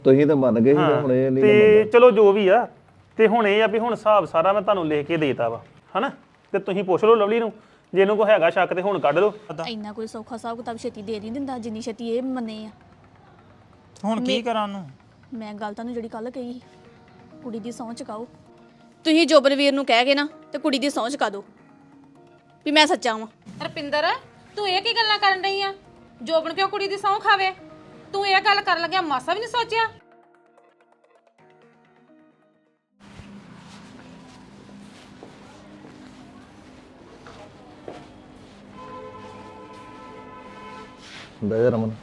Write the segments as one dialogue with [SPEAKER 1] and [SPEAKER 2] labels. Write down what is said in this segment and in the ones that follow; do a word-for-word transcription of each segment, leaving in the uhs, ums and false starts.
[SPEAKER 1] ਤੁਸੀਂ ਤਾਂ ਮੰਨ ਗਏ ਸੀ ਤੇ ਹੁਣ ਇਹ ਨਹੀਂ
[SPEAKER 2] ਤੇ ਚਲੋ ਜੋ ਵੀ ਆ ਤੇ ਹੁਣ ਇਹ ਆ ਵੀ ਹੁਣ ਹਿਸਾਬ ਸਾਰਾ ਮੈਂ ਤੁਹਾਨੂੰ ਲਿਖ ਕੇ ਦੇਤਾ ਵਾ ਹਨਾ ਤੇ ਤੁਸੀਂ ਪੁੱਛ ਲਓ ਲਵਲੀ ਨੂੰ ਜੇ ਇਹਨੂੰ ਕੋਈ ਹੈਗਾ ਸ਼ੱਕ ਤੇ ਹੁਣ ਕੱਢ ਲਓ
[SPEAKER 3] ਇੰਨਾ ਕੋਈ ਸੌਖਾ ਹਿਸਾਬ ਕਿਤਾਬ ਛੇਤੀ ਦੇ ਨਹੀਂ ਦਿੰਦਾ ਜਿੰਨੀ ਛੇਤੀ ਇਹ ਮੰਨੇ ਆ।
[SPEAKER 4] ਹੁਣ ਕੀ ਕਰਾਂ ਉਹਨੂੰ?
[SPEAKER 3] ਮੈਂ ਗੱਲ ਤੁਹਾਨੂੰ ਜਿਹੜੀ ਕੱਲ ਕਹੀ ਸੀ, ਕੁੜੀ ਦੀ ਸਹੁੰ ਚੁਕਾਓ। ਤੁਸੀਂ ਜੋਬਨਵੀਰ ਨੂੰ ਕਹਿ ਗਏ ਨਾ ਤੇ ਕੁੜੀ ਦੀ ਸਹੁੰ ਚੁਕਾ ਦਿਓ ਵੀ ਮੈਂ ਸੱਚਾ ਵਾਂ।
[SPEAKER 5] ਰਪਿੰਦਰ ਤੂੰ ਇਹ ਕੀ ਗੱਲਾਂ ਕਰਨ ਰਹੀ ਆ? ਜੋਬਨ ਕਿਉਂ ਕੁੜੀ ਦੀ ਸਹੁੰ ਖਾਵੇ? ਤੂੰ ਇਹ ਗੱਲ ਕਰਨ ਲੱਗਿਆ ਮਾਸਾ ਵੀ ਨਹੀਂ ਸੋਚਿਆ?
[SPEAKER 1] ਬੈ ਰਮਨ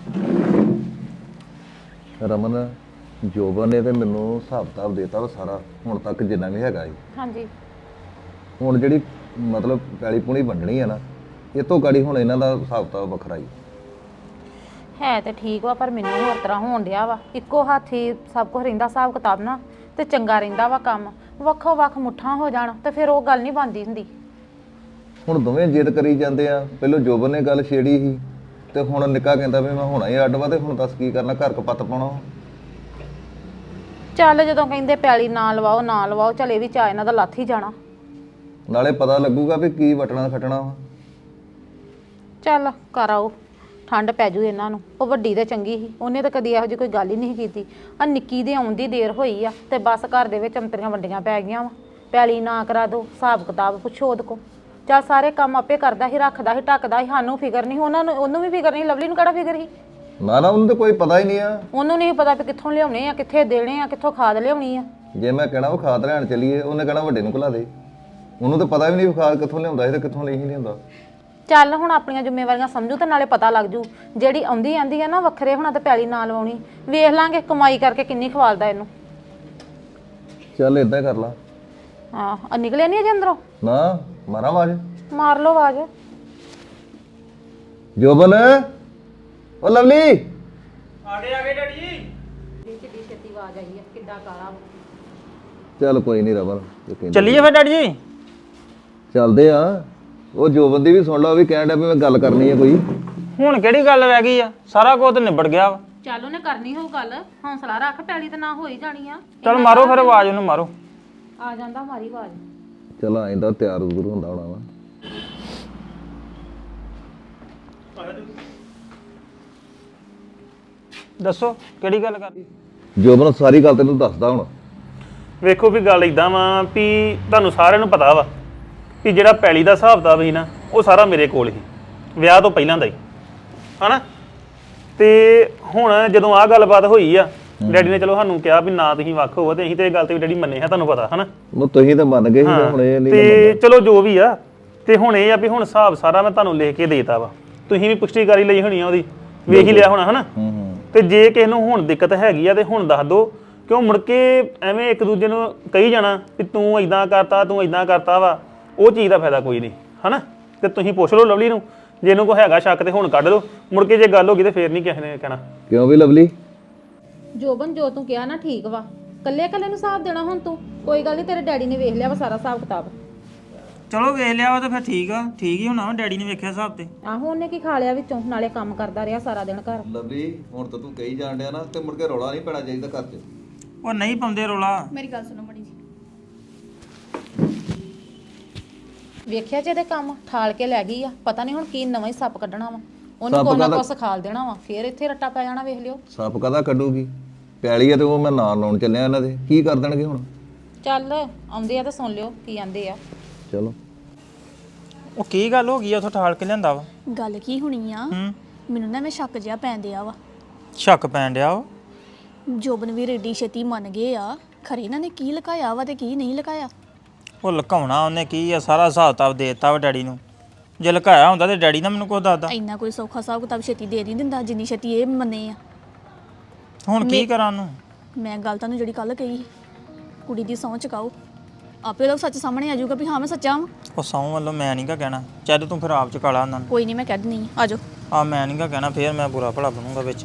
[SPEAKER 1] ਰਮਨ ਜੋਬਨ ਨੇ ਤੇ ਮੈਨੂੰ ਹਿਸਾਬ ਕਿਤਾਬ ਦੇਤਾ ਵਾ ਸਾਰਾ ਹੁਣ ਤੱਕ ਜਿੰਨਾ ਵੀ ਹੈਗਾ ਜੀ।
[SPEAKER 5] ਹਾਂਜੀ
[SPEAKER 1] ਹੁਣ ਜਿਹੜੀ ਮਤਲਬ ਪੈਲੀ ਪੂਣੀ ਵੰਡਣੀ ਆ ਨਾ ਇਹ ਤੋਂ ਗਾੜੀ ਹੁਣ ਇਹਨਾਂ ਦਾ ਹਿਸਾਬ ਕਿਤਾਬ ਵੱਖਰਾ ਹੀ
[SPEAKER 5] ਹੈ ਤੇ ਠੀਕ ਵਾ ਪਰ ਮੈਨੂੰ ਹੋਰ ਤਰ੍ਹਾਂ ਹੋਣ ਡਿਆ ਵਾ। ਇੱਕੋ ਹੱਥੀ ਸਭ ਕੁਝ ਰਹਿੰਦਾ ਹਿਸਾਬ ਕਿਤਾਬ ਨਾ ਤੇ ਚੰਗਾ ਰਹਿੰਦਾ ਵਾ ਕੰਮ। ਵੱਖੋ ਵੱਖ ਮੁੱਠਾਂ ਹੋ ਜਾਣ ਤੇ ਫਿਰ ਉਹ ਗੱਲ ਨਹੀਂ ਬਣਦੀ ਹੁੰਦੀ।
[SPEAKER 1] ਹੁਣ ਦੋਵੇਂ ਜਿੱਦ ਕਰੀ ਜਾਂਦੇ ਆ। ਪਹਿਲਾਂ ਜੋਬਨ ਨੇ ਗੱਲ ਛੇੜੀ ਸੀ ਤੇ ਹੁਣ ਨਿੱਕਾ ਕਹਿੰਦਾ ਵੀ ਮੈਂ ਹੁਣਾ ਹੀ ਅੱਡ ਵਾ ਤੇ ਹੁਣ ਦੱਸ ਕੀ ਕਰਨਾ, ਘਰ ਕਪੱਤ ਪਾਉਣਾ।
[SPEAKER 5] ਚੱਲ ਜਦੋਂ ਕਹਿੰਦੇ ਪੈਲੀ ਨਾ ਲਵਾਓ ਨਾ ਲਵਾਓ ਚੱਲ ਇਹ ਵੀ ਚਾ ਇਹਨਾਂ ਦਾ ਲੱਥ ਹੀ ਜਾਣਾ।
[SPEAKER 1] ਨਾਲੇ ਪਤਾ ਲੱਗੂਗਾ ਵੀ ਕੀ ਵਟਣਾ ਖਟਣਾ ਵਾ।
[SPEAKER 5] ਚੱਲ ਕਰ ਆਓ, ਠੰਡ ਪੈ ਜੂ ਇਹਨਾਂ ਨੂੰ। ਉਹ ਵੱਡੀ ਤੇ ਚੰਗੀ ਸੀ, ਉਹਨੇ ਤਾਂ ਕਦੀ ਇਹੋ ਜਿਹੀ ਕੋਈ ਗੱਲ ਹੀ ਨਹੀਂ ਕੀਤੀ। ਆ ਨਿੱਕੀ ਦੇ ਆਉਣ ਦੀ ਦੇਰ ਹੋਈ ਆ ਤੇ ਬਸ ਘਰ ਦੇ ਵਿੱਚ ਅੰਤਰੀਆਂ ਵੰਡੀਆਂ ਪੈ ਗਈਆਂ ਵਾ। ਪੈਲੀ ਨਾ ਕਰਾ ਦੋ, ਹਿਸਾਬ ਕਿਤਾਬ ਪੁੱਛੋ ਉਹਦੇ ਕੋ। ਚੱਲ ਸਾਰੇ ਕੰਮ ਆਪੇ ਕਰਦਾ ਸੀ, ਰੱਖਦਾ ਸੀ, ਢੱਕਦਾ ਸੀ। ਸਾਨੂੰ ਫਿਕਰ ਨਹੀਂ, ਉਹਨਾਂ ਨੂੰ ਉਹਨੂੰ ਵੀ ਫਿਕਰ ਨਹੀਂ। ਲਵਲੀ ਨੂੰ ਕਿਹੜਾ ਫਿਕਰ ਸੀ?
[SPEAKER 1] ਨਾ ਨਾ ਉਹਨੂੰ ਤਾਂ ਕੋਈ ਪਤਾ ਹੀ ਨਹੀਂ ਆ।
[SPEAKER 5] ਉਹਨੂੰ ਨਹੀਂ ਪਤਾ ਵੀ ਕਿੱਥੋਂ ਲਿਆਉਣੇ ਆ, ਕਿੱਥੇ ਦੇਣੇ ਆ, ਕਿੱਥੋਂ ਖਾਦ ਲਿਆਉਣੀ ਆ।
[SPEAKER 1] ਜੇ ਮੈਂ ਕਹਿਣਾ ਉਹ ਖਾਦ ਲੈਣ ਚੱਲੀਏ ਉਹਨੇ ਕਹਿਣਾ ਵੱਡੇ ਨੂੰ ਘਲਾ ਦੇ। ਉਹਨੂੰ ਤਾਂ ਪਤਾ ਵੀ ਨਹੀਂ ਖਾਦ ਕਿੱਥੋਂ ਲਿਆਉਂਦਾ ਸੀ ਤੇ ਕਿੱਥੋਂ ਨਹੀਂ ਲਿਆਉਂਦਾ।
[SPEAKER 5] ਚੱਲ ਹੁਣ ਆਪਣੀਆਂ ਜ਼ਿੰਮੇਵਾਰੀਆਂ ਸਮਝੂ ਤੇ ਨਾਲੇ ਪਤਾ ਲੱਗ ਜੂ। ਜਿਹੜੀ ਆਉਂਦੀ ਆਂਦੀ ਆ ਨਾ ਵੱਖਰੇ ਹੋਣਾ ਤੇ ਪੈਲੀ ਨਾ ਲਵਾਉਣੀ। ਵੇਖ ਲਾਂਗੇ ਕਮਾਈ ਕਰਕੇ ਕਿੰਨੀ ਖਵਾਲਦਾ ਇਹਨੂੰ।
[SPEAKER 1] ਚੱਲ ਇਦਾਂ ਕਰ ਲਾ।
[SPEAKER 5] ਹਾਂ ਨਿਕਲੇ ਨਹੀਂ ਅਜੇ ਅੰਦਰੋਂ?
[SPEAKER 1] ਨਾ ਮਾਰਾਂ ਆਵਾਜ਼।
[SPEAKER 5] ਮਾਰ ਲਓ ਆਵਾਜ਼।
[SPEAKER 1] ਜੋਬਨ ਉਹ ਲਵਲੀ
[SPEAKER 2] ਆਗੇ ਆਗੇ ਡੈਡੀ ਜੀ।
[SPEAKER 5] ਕਿੱਡੀ ਛੇਤੀ ਆਵਾਜ਼ ਆਈ ਆ, ਕਿੱਡਾ ਕਾਲਾ।
[SPEAKER 1] ਚੱਲ ਕੋਈ ਨਹੀਂ ਰਮਨ ਜੋ ਕਹਿੰਦਾ।
[SPEAKER 4] ਚੱਲੀਏ ਫਿਰ ਡੈਡੀ ਜੀ।
[SPEAKER 1] ਚੱਲਦੇ ਆ। ਉਹ ਜੋਬਨ ਦੀ ਵੀ ਸੁਣ ਲਾ, ਉਹ ਵੀ ਕਹਿਣ ਡਿਆ ਵੀ ਮੈਂ ਗੱਲ ਕਰਨੀ ਹੈ ਕੋਈ।
[SPEAKER 4] ਹੁਣ ਕਿਹੜੀ ਗੱਲ ਰਹਿ ਗਈ ਆ? ਸਾਰਾ ਕੁਝ ਤਾਂ ਨਿਬੜ ਗਿਆ ਵਾ।
[SPEAKER 5] ਚੱਲ ਉਹਨੇ ਕਰਨੀ ਹੋਊ ਗੱਲ। ਹੌਸਲਾ ਰੱਖ, ਪੈਲੀ ਤੇ ਨਾ ਹੋਈ ਜਾਣੀ ਆ।
[SPEAKER 4] ਚੱਲ ਮਾਰੋ ਫਿਰ ਆਵਾਜ਼ ਉਹਨੂੰ ਮਾਰੋ।
[SPEAKER 5] ਆ ਜਾਂਦਾ ਮਾਰੀ ਆਵਾਜ਼।
[SPEAKER 1] ਚਲ ਆਇਂਦਾ ਤਿਆਰ ਜ਼ਰੂਰ ਹੁੰਦਾ ਹੋਣਾ ਵਾ।
[SPEAKER 4] ਦੱਸੋ ਕਿਹੜੀ ਗੱਲ ਕਰਨੀ?
[SPEAKER 1] ਜੋਬਨ ਸਾਰੀ ਗੱਲ ਤੈਨੂੰ ਦੱਸਦਾ ਹੁਣ।
[SPEAKER 2] ਵੇਖੋ ਵੀ ਗੱਲ ਇਦਾਂ ਵਾ ਵੀ ਤੁਹਾਨੂੰ ਸਾਰਿਆਂ ਨੂੰ ਪਤਾ ਵਾ ਵੀ ਜਿਹੜਾ ਪੈਲੀ ਦਾ ਹਿਸਾਬ ਕਿਤਾਬ ਸੀ ਨਾ ਉਹ ਸਾਰਾ ਮੇਰੇ ਕੋਲ ਸੀ ਵਿਆਹ ਤੋਂ ਪਹਿਲਾਂ ਦਾ ਹੀ ਹਨਾ। ਤੇ ਹੁਣ ਜਦੋਂ ਆਹ ਗੱਲਬਾਤ ਹੋਈ ਆ ਡੈਡੀ ਨੇ ਚਲੋ ਸਾਨੂੰ ਕਿਹਾ ਵੀ ਨਾ ਤੁਸੀਂ ਵੱਖ ਹੋਵੋ ਤੇ ਅਸੀਂ ਤੇ ਇਹ ਗੱਲ ਤੇ ਵੀ ਡੈਡੀ ਮੰਨੇ ਆ, ਤੁਹਾਨੂੰ ਪਤਾ ਹਨਾ।
[SPEAKER 1] ਉਹ ਤੁਸੀਂ ਤਾਂ ਮੰਨ ਗਏ ਸੀ ਤੇ ਹੁਣ ਇਹ ਨਹੀਂ
[SPEAKER 2] ਤੇ ਚਲੋ ਜੋ ਵੀ ਆ ਤੇ ਹੁਣ ਇਹ ਆ ਵੀ ਹੁਣ ਹਿਸਾਬ ਸਾਰਾ ਮੈਂ ਤੁਹਾਨੂੰ ਲਿਖ ਕੇ ਦੇਤਾ ਵਾ। ਤੁਸੀਂ ਵੀ ਪੁਸ਼ਟੀ ਕਰੀ ਲਈ ਹੋਣੀ ਆ ਉਹਦੀ, ਵੇਖ ਹੀ ਲਿਆ ਹੋਣਾ ਹਨਾ। ਤੇ ਜੇ ਕਿਸੇ ਨੂੰ ਹੁਣ ਦਿੱਕਤ ਹੈਗੀ ਆ ਤੇ ਹੁਣ ਦੱਸ ਦੋ, ਕਿਉਂ ਮੁੜ ਕੇ ਐਵੇਂ ਇੱਕ ਦੂਜੇ ਨੂੰ ਕਹੀ ਜਾਣਾ ਵੀ ਤੂੰ ਇਦਾਂ ਕਰਤਾ ਤੂੰ ਇਦਾਂ ਕਰਤਾ ਵਾ, ਉਹ ਚੀਜ਼ ਦਾ ਫਾਇਦਾ ਕੋਈ ਨਹੀਂ ਹਨਾ। ਤੇ ਤੁਸੀਂ ਪੁੱਛ ਲਓ ਲਵਲੀ ਨੂੰ ਜੇ ਇਹਨੂੰ ਕੋਈ ਹੈਗਾ ਸ਼ੱਕ ਤੇ ਹੁਣ ਕੱਢ ਲਓ। ਮੁੜ ਕੇ ਜੇ ਗੱਲ ਹੋ ਗਈ ਤੇ ਫੇਰ ਨਹੀਂ ਕਿਸੇ ਨੇ ਕਹਿਣਾ।
[SPEAKER 1] ਕਿਉਂ ਵੀ ਲਵਲੀ?
[SPEAKER 5] ਜੋਬਨ ਜੋ ਤੂੰ ਕਿਹਾ ਨਾ ਠੀਕ ਵਾ। ਕੱਲੇ ਕੱਲੇ ਨੂੰ ਹਿਸਾਬ ਦੇਣਾ ਹੁਣ ਤੂੰ? ਕੋਈ ਗੱਲ ਨਹੀਂ, ਤੇਰੇ ਡੈਡੀ ਨੇ ਵੇਖ ਲਿਆ ਵਾ ਸਾਰਾ ਹਿਸਾਬ ਕਿਤਾਬ।
[SPEAKER 4] ਚਲੋ ਵੇਖ ਲਿਆ ਵਾ ਤਾਂ ਫਿਰ ਠੀਕ ਆ। ਠੀਕ ਹੀ ਹੋਣਾ ਵਾ, ਡੈਡੀ ਨੇ ਵੇਖਿਆ ਹਿਸਾਬ ਤੇ।
[SPEAKER 5] ਆਹੋ ਉਹਨੇ ਕੀ ਖਾ ਲਿਆ ਵਿੱਚੋਂ, ਨਾਲੇ ਕੰਮ ਕਰਦਾ ਰਿਹਾ ਸਾਰਾ ਦਿਨ ਘਰ।
[SPEAKER 1] ਲਵਲੀ ਹੁਣ ਤਾਂ ਤੂੰ ਕਹੀ ਜਾਣ ਡਿਆ ਨਾ ਤੇ ਮੁੜ ਕੇ ਰੌਲਾ ਨਹੀਂ ਪੈਣਾ ਚਾਹੀਦਾ ਘਰ 'ਚ।
[SPEAKER 4] ਉਹ ਨਹੀਂ ਪਾਉਂਦੇ ਰੋਲਾ।
[SPEAKER 3] ਮੇਰੀ ਗੱਲ ਸੁਣੋ ਮਣੀ ਜੀ।
[SPEAKER 5] ਵੇਖਿਆ ਜੇ ਇਹਦੇ ਕੰਮ ਠਾਲ ਕੇ ਲੈ ਗਈ ਆ। ਪਤਾ ਨਹੀਂ ਹੁਣ ਕੀ ਨਵਾਂ ਹੀ ਸੱਪ ਕੱਢਣਾ ਵਾ। ਉਹਨੂੰ ਕੋਈ ਨਾ ਕੋਈ ਸਿਖਾਲ ਦੇਣਾ ਵਾ, ਫੇਰ ਇੱਥੇ ਰੱਟਾ ਪੈ ਜਾਣਾ। ਵੇਖ ਲਿਓ
[SPEAKER 1] ਸੱਪ ਕਦਾ ਕੱਢੂਗੀ? ਪੈਲੀ ਆ ਤੇ ਉਹ ਮੈਂ ਨਾਂ ਲਾਉਣ ਚੱਲਿਆ ਇਹਨਾਂ ਦੇ, ਕੀ ਕਰ ਦੇਣਗੇ ਹੁਣ?
[SPEAKER 5] ਚੱਲ ਆਉਂਦੇ ਆ ਤਾਂ ਸੁਣ ਲਿਓ ਕੀ ਆਂਦੇ ਆ।
[SPEAKER 1] ਚਲੋ
[SPEAKER 4] ਉਹ ਕੀ ਗੱਲ ਹੋ ਗਈ ਆ? ਉਥੋਂ ਠਾਲ ਕੇ ਲਿਆਂਦਾ ਵਾ।
[SPEAKER 3] ਗੱਲ ਕੀ ਹੋਣੀ ਆ,
[SPEAKER 4] ਹੂੰ
[SPEAKER 3] ਮੈਨੂੰ ਨਾ ਮੈਂ ਸ਼ੱਕ ਜਿਹਾ ਪੈਣ ਦਿਆ ਵਾ।
[SPEAKER 4] ਸ਼ੱਕ ਪੈਣ ਡਿਆ ਵਾ?
[SPEAKER 3] ਜੋਬਨਵੀਰ ਏਡੀ ਛੇਤੀ ਮੰਨ ਗਏ ਆ, ਖਰੇ ਇਹਨਾਂ ਨੇ ਕੀ ਲੁਕਾਇਆ ਵਾ ਤੇ ਕੀ ਨਹੀਂ ਲੁਕਾਇਆ।
[SPEAKER 4] ਉਹ ਲੁਕਾਉਣਾ ਉਹਨੇ ਕੀ ਆ? ਸਾਰਾ ਹਿਸਾਬ ਕਿਤਾਬ ਦੇ ਦਿੱਤਾ ਵਾ ਡੈਡੀ ਨੂੰ। ਜੇ ਲੁਕਾਇਆ ਹੁੰਦਾ ਤੇ ਡੈਡੀ ਨਾ ਮੈਨੂੰ ਕੁਝ ਦੱਸਦਾ।
[SPEAKER 3] ਇੰਨਾ ਕੋਈ ਸੌਖਾ ਹਿਸਾਬ ਕਿਤਾਬ ਛੇਤੀ ਦੇ ਨਹੀਂ ਦਿੰਦਾ ਜਿੰਨੀ ਛੇਤੀ ਇਹ ਮੰਨੇ ਆ।
[SPEAKER 4] ਹੁਣ ਕੀ ਕਰਾਂ ਉਹਨੂੰ?
[SPEAKER 3] ਮੈਂ ਗੱਲ ਤੁਹਾਨੂੰ ਜਿਹੜੀ ਕੱਲ ਕਹੀ ਸੀ, ਕੁੜੀ ਦੀ ਸਹੁੰ ਚੁਕਾਓ। ਆਪੇ ਉਹਦਾ ਸੱਚ ਸਾਹਮਣੇ ਆ ਜਾਊਗਾ ਵੀ ਹਾਂ ਮੈਂ ਸੱਚਾ ਵਾਂ।
[SPEAKER 4] ਉਹ ਸਹੁੰ ਵੱਲੋਂ ਮੈਂ ਨਹੀਂ ਗਾ ਕਹਿਣਾ। ਚੱਲ ਤੂੰ ਫਿਰ ਆਪ ਚੁਕਾ ਲਾ ਉਹਨਾਂ ਨੂੰ।
[SPEAKER 3] ਕੋਈ ਨਹੀਂ ਮੈਂ ਕਹਿ ਦਿੰਦੀ ਆ, ਆ ਜਾਓ।
[SPEAKER 4] ਆ ਮੈਂ ਨਹੀਂ ਗਾ ਕਹਿਣਾ, ਫੇਰ ਮੈਂ ਬੁਰਾ ਭਲਾ ਬਣੂੰਗਾ ਵਿੱਚ।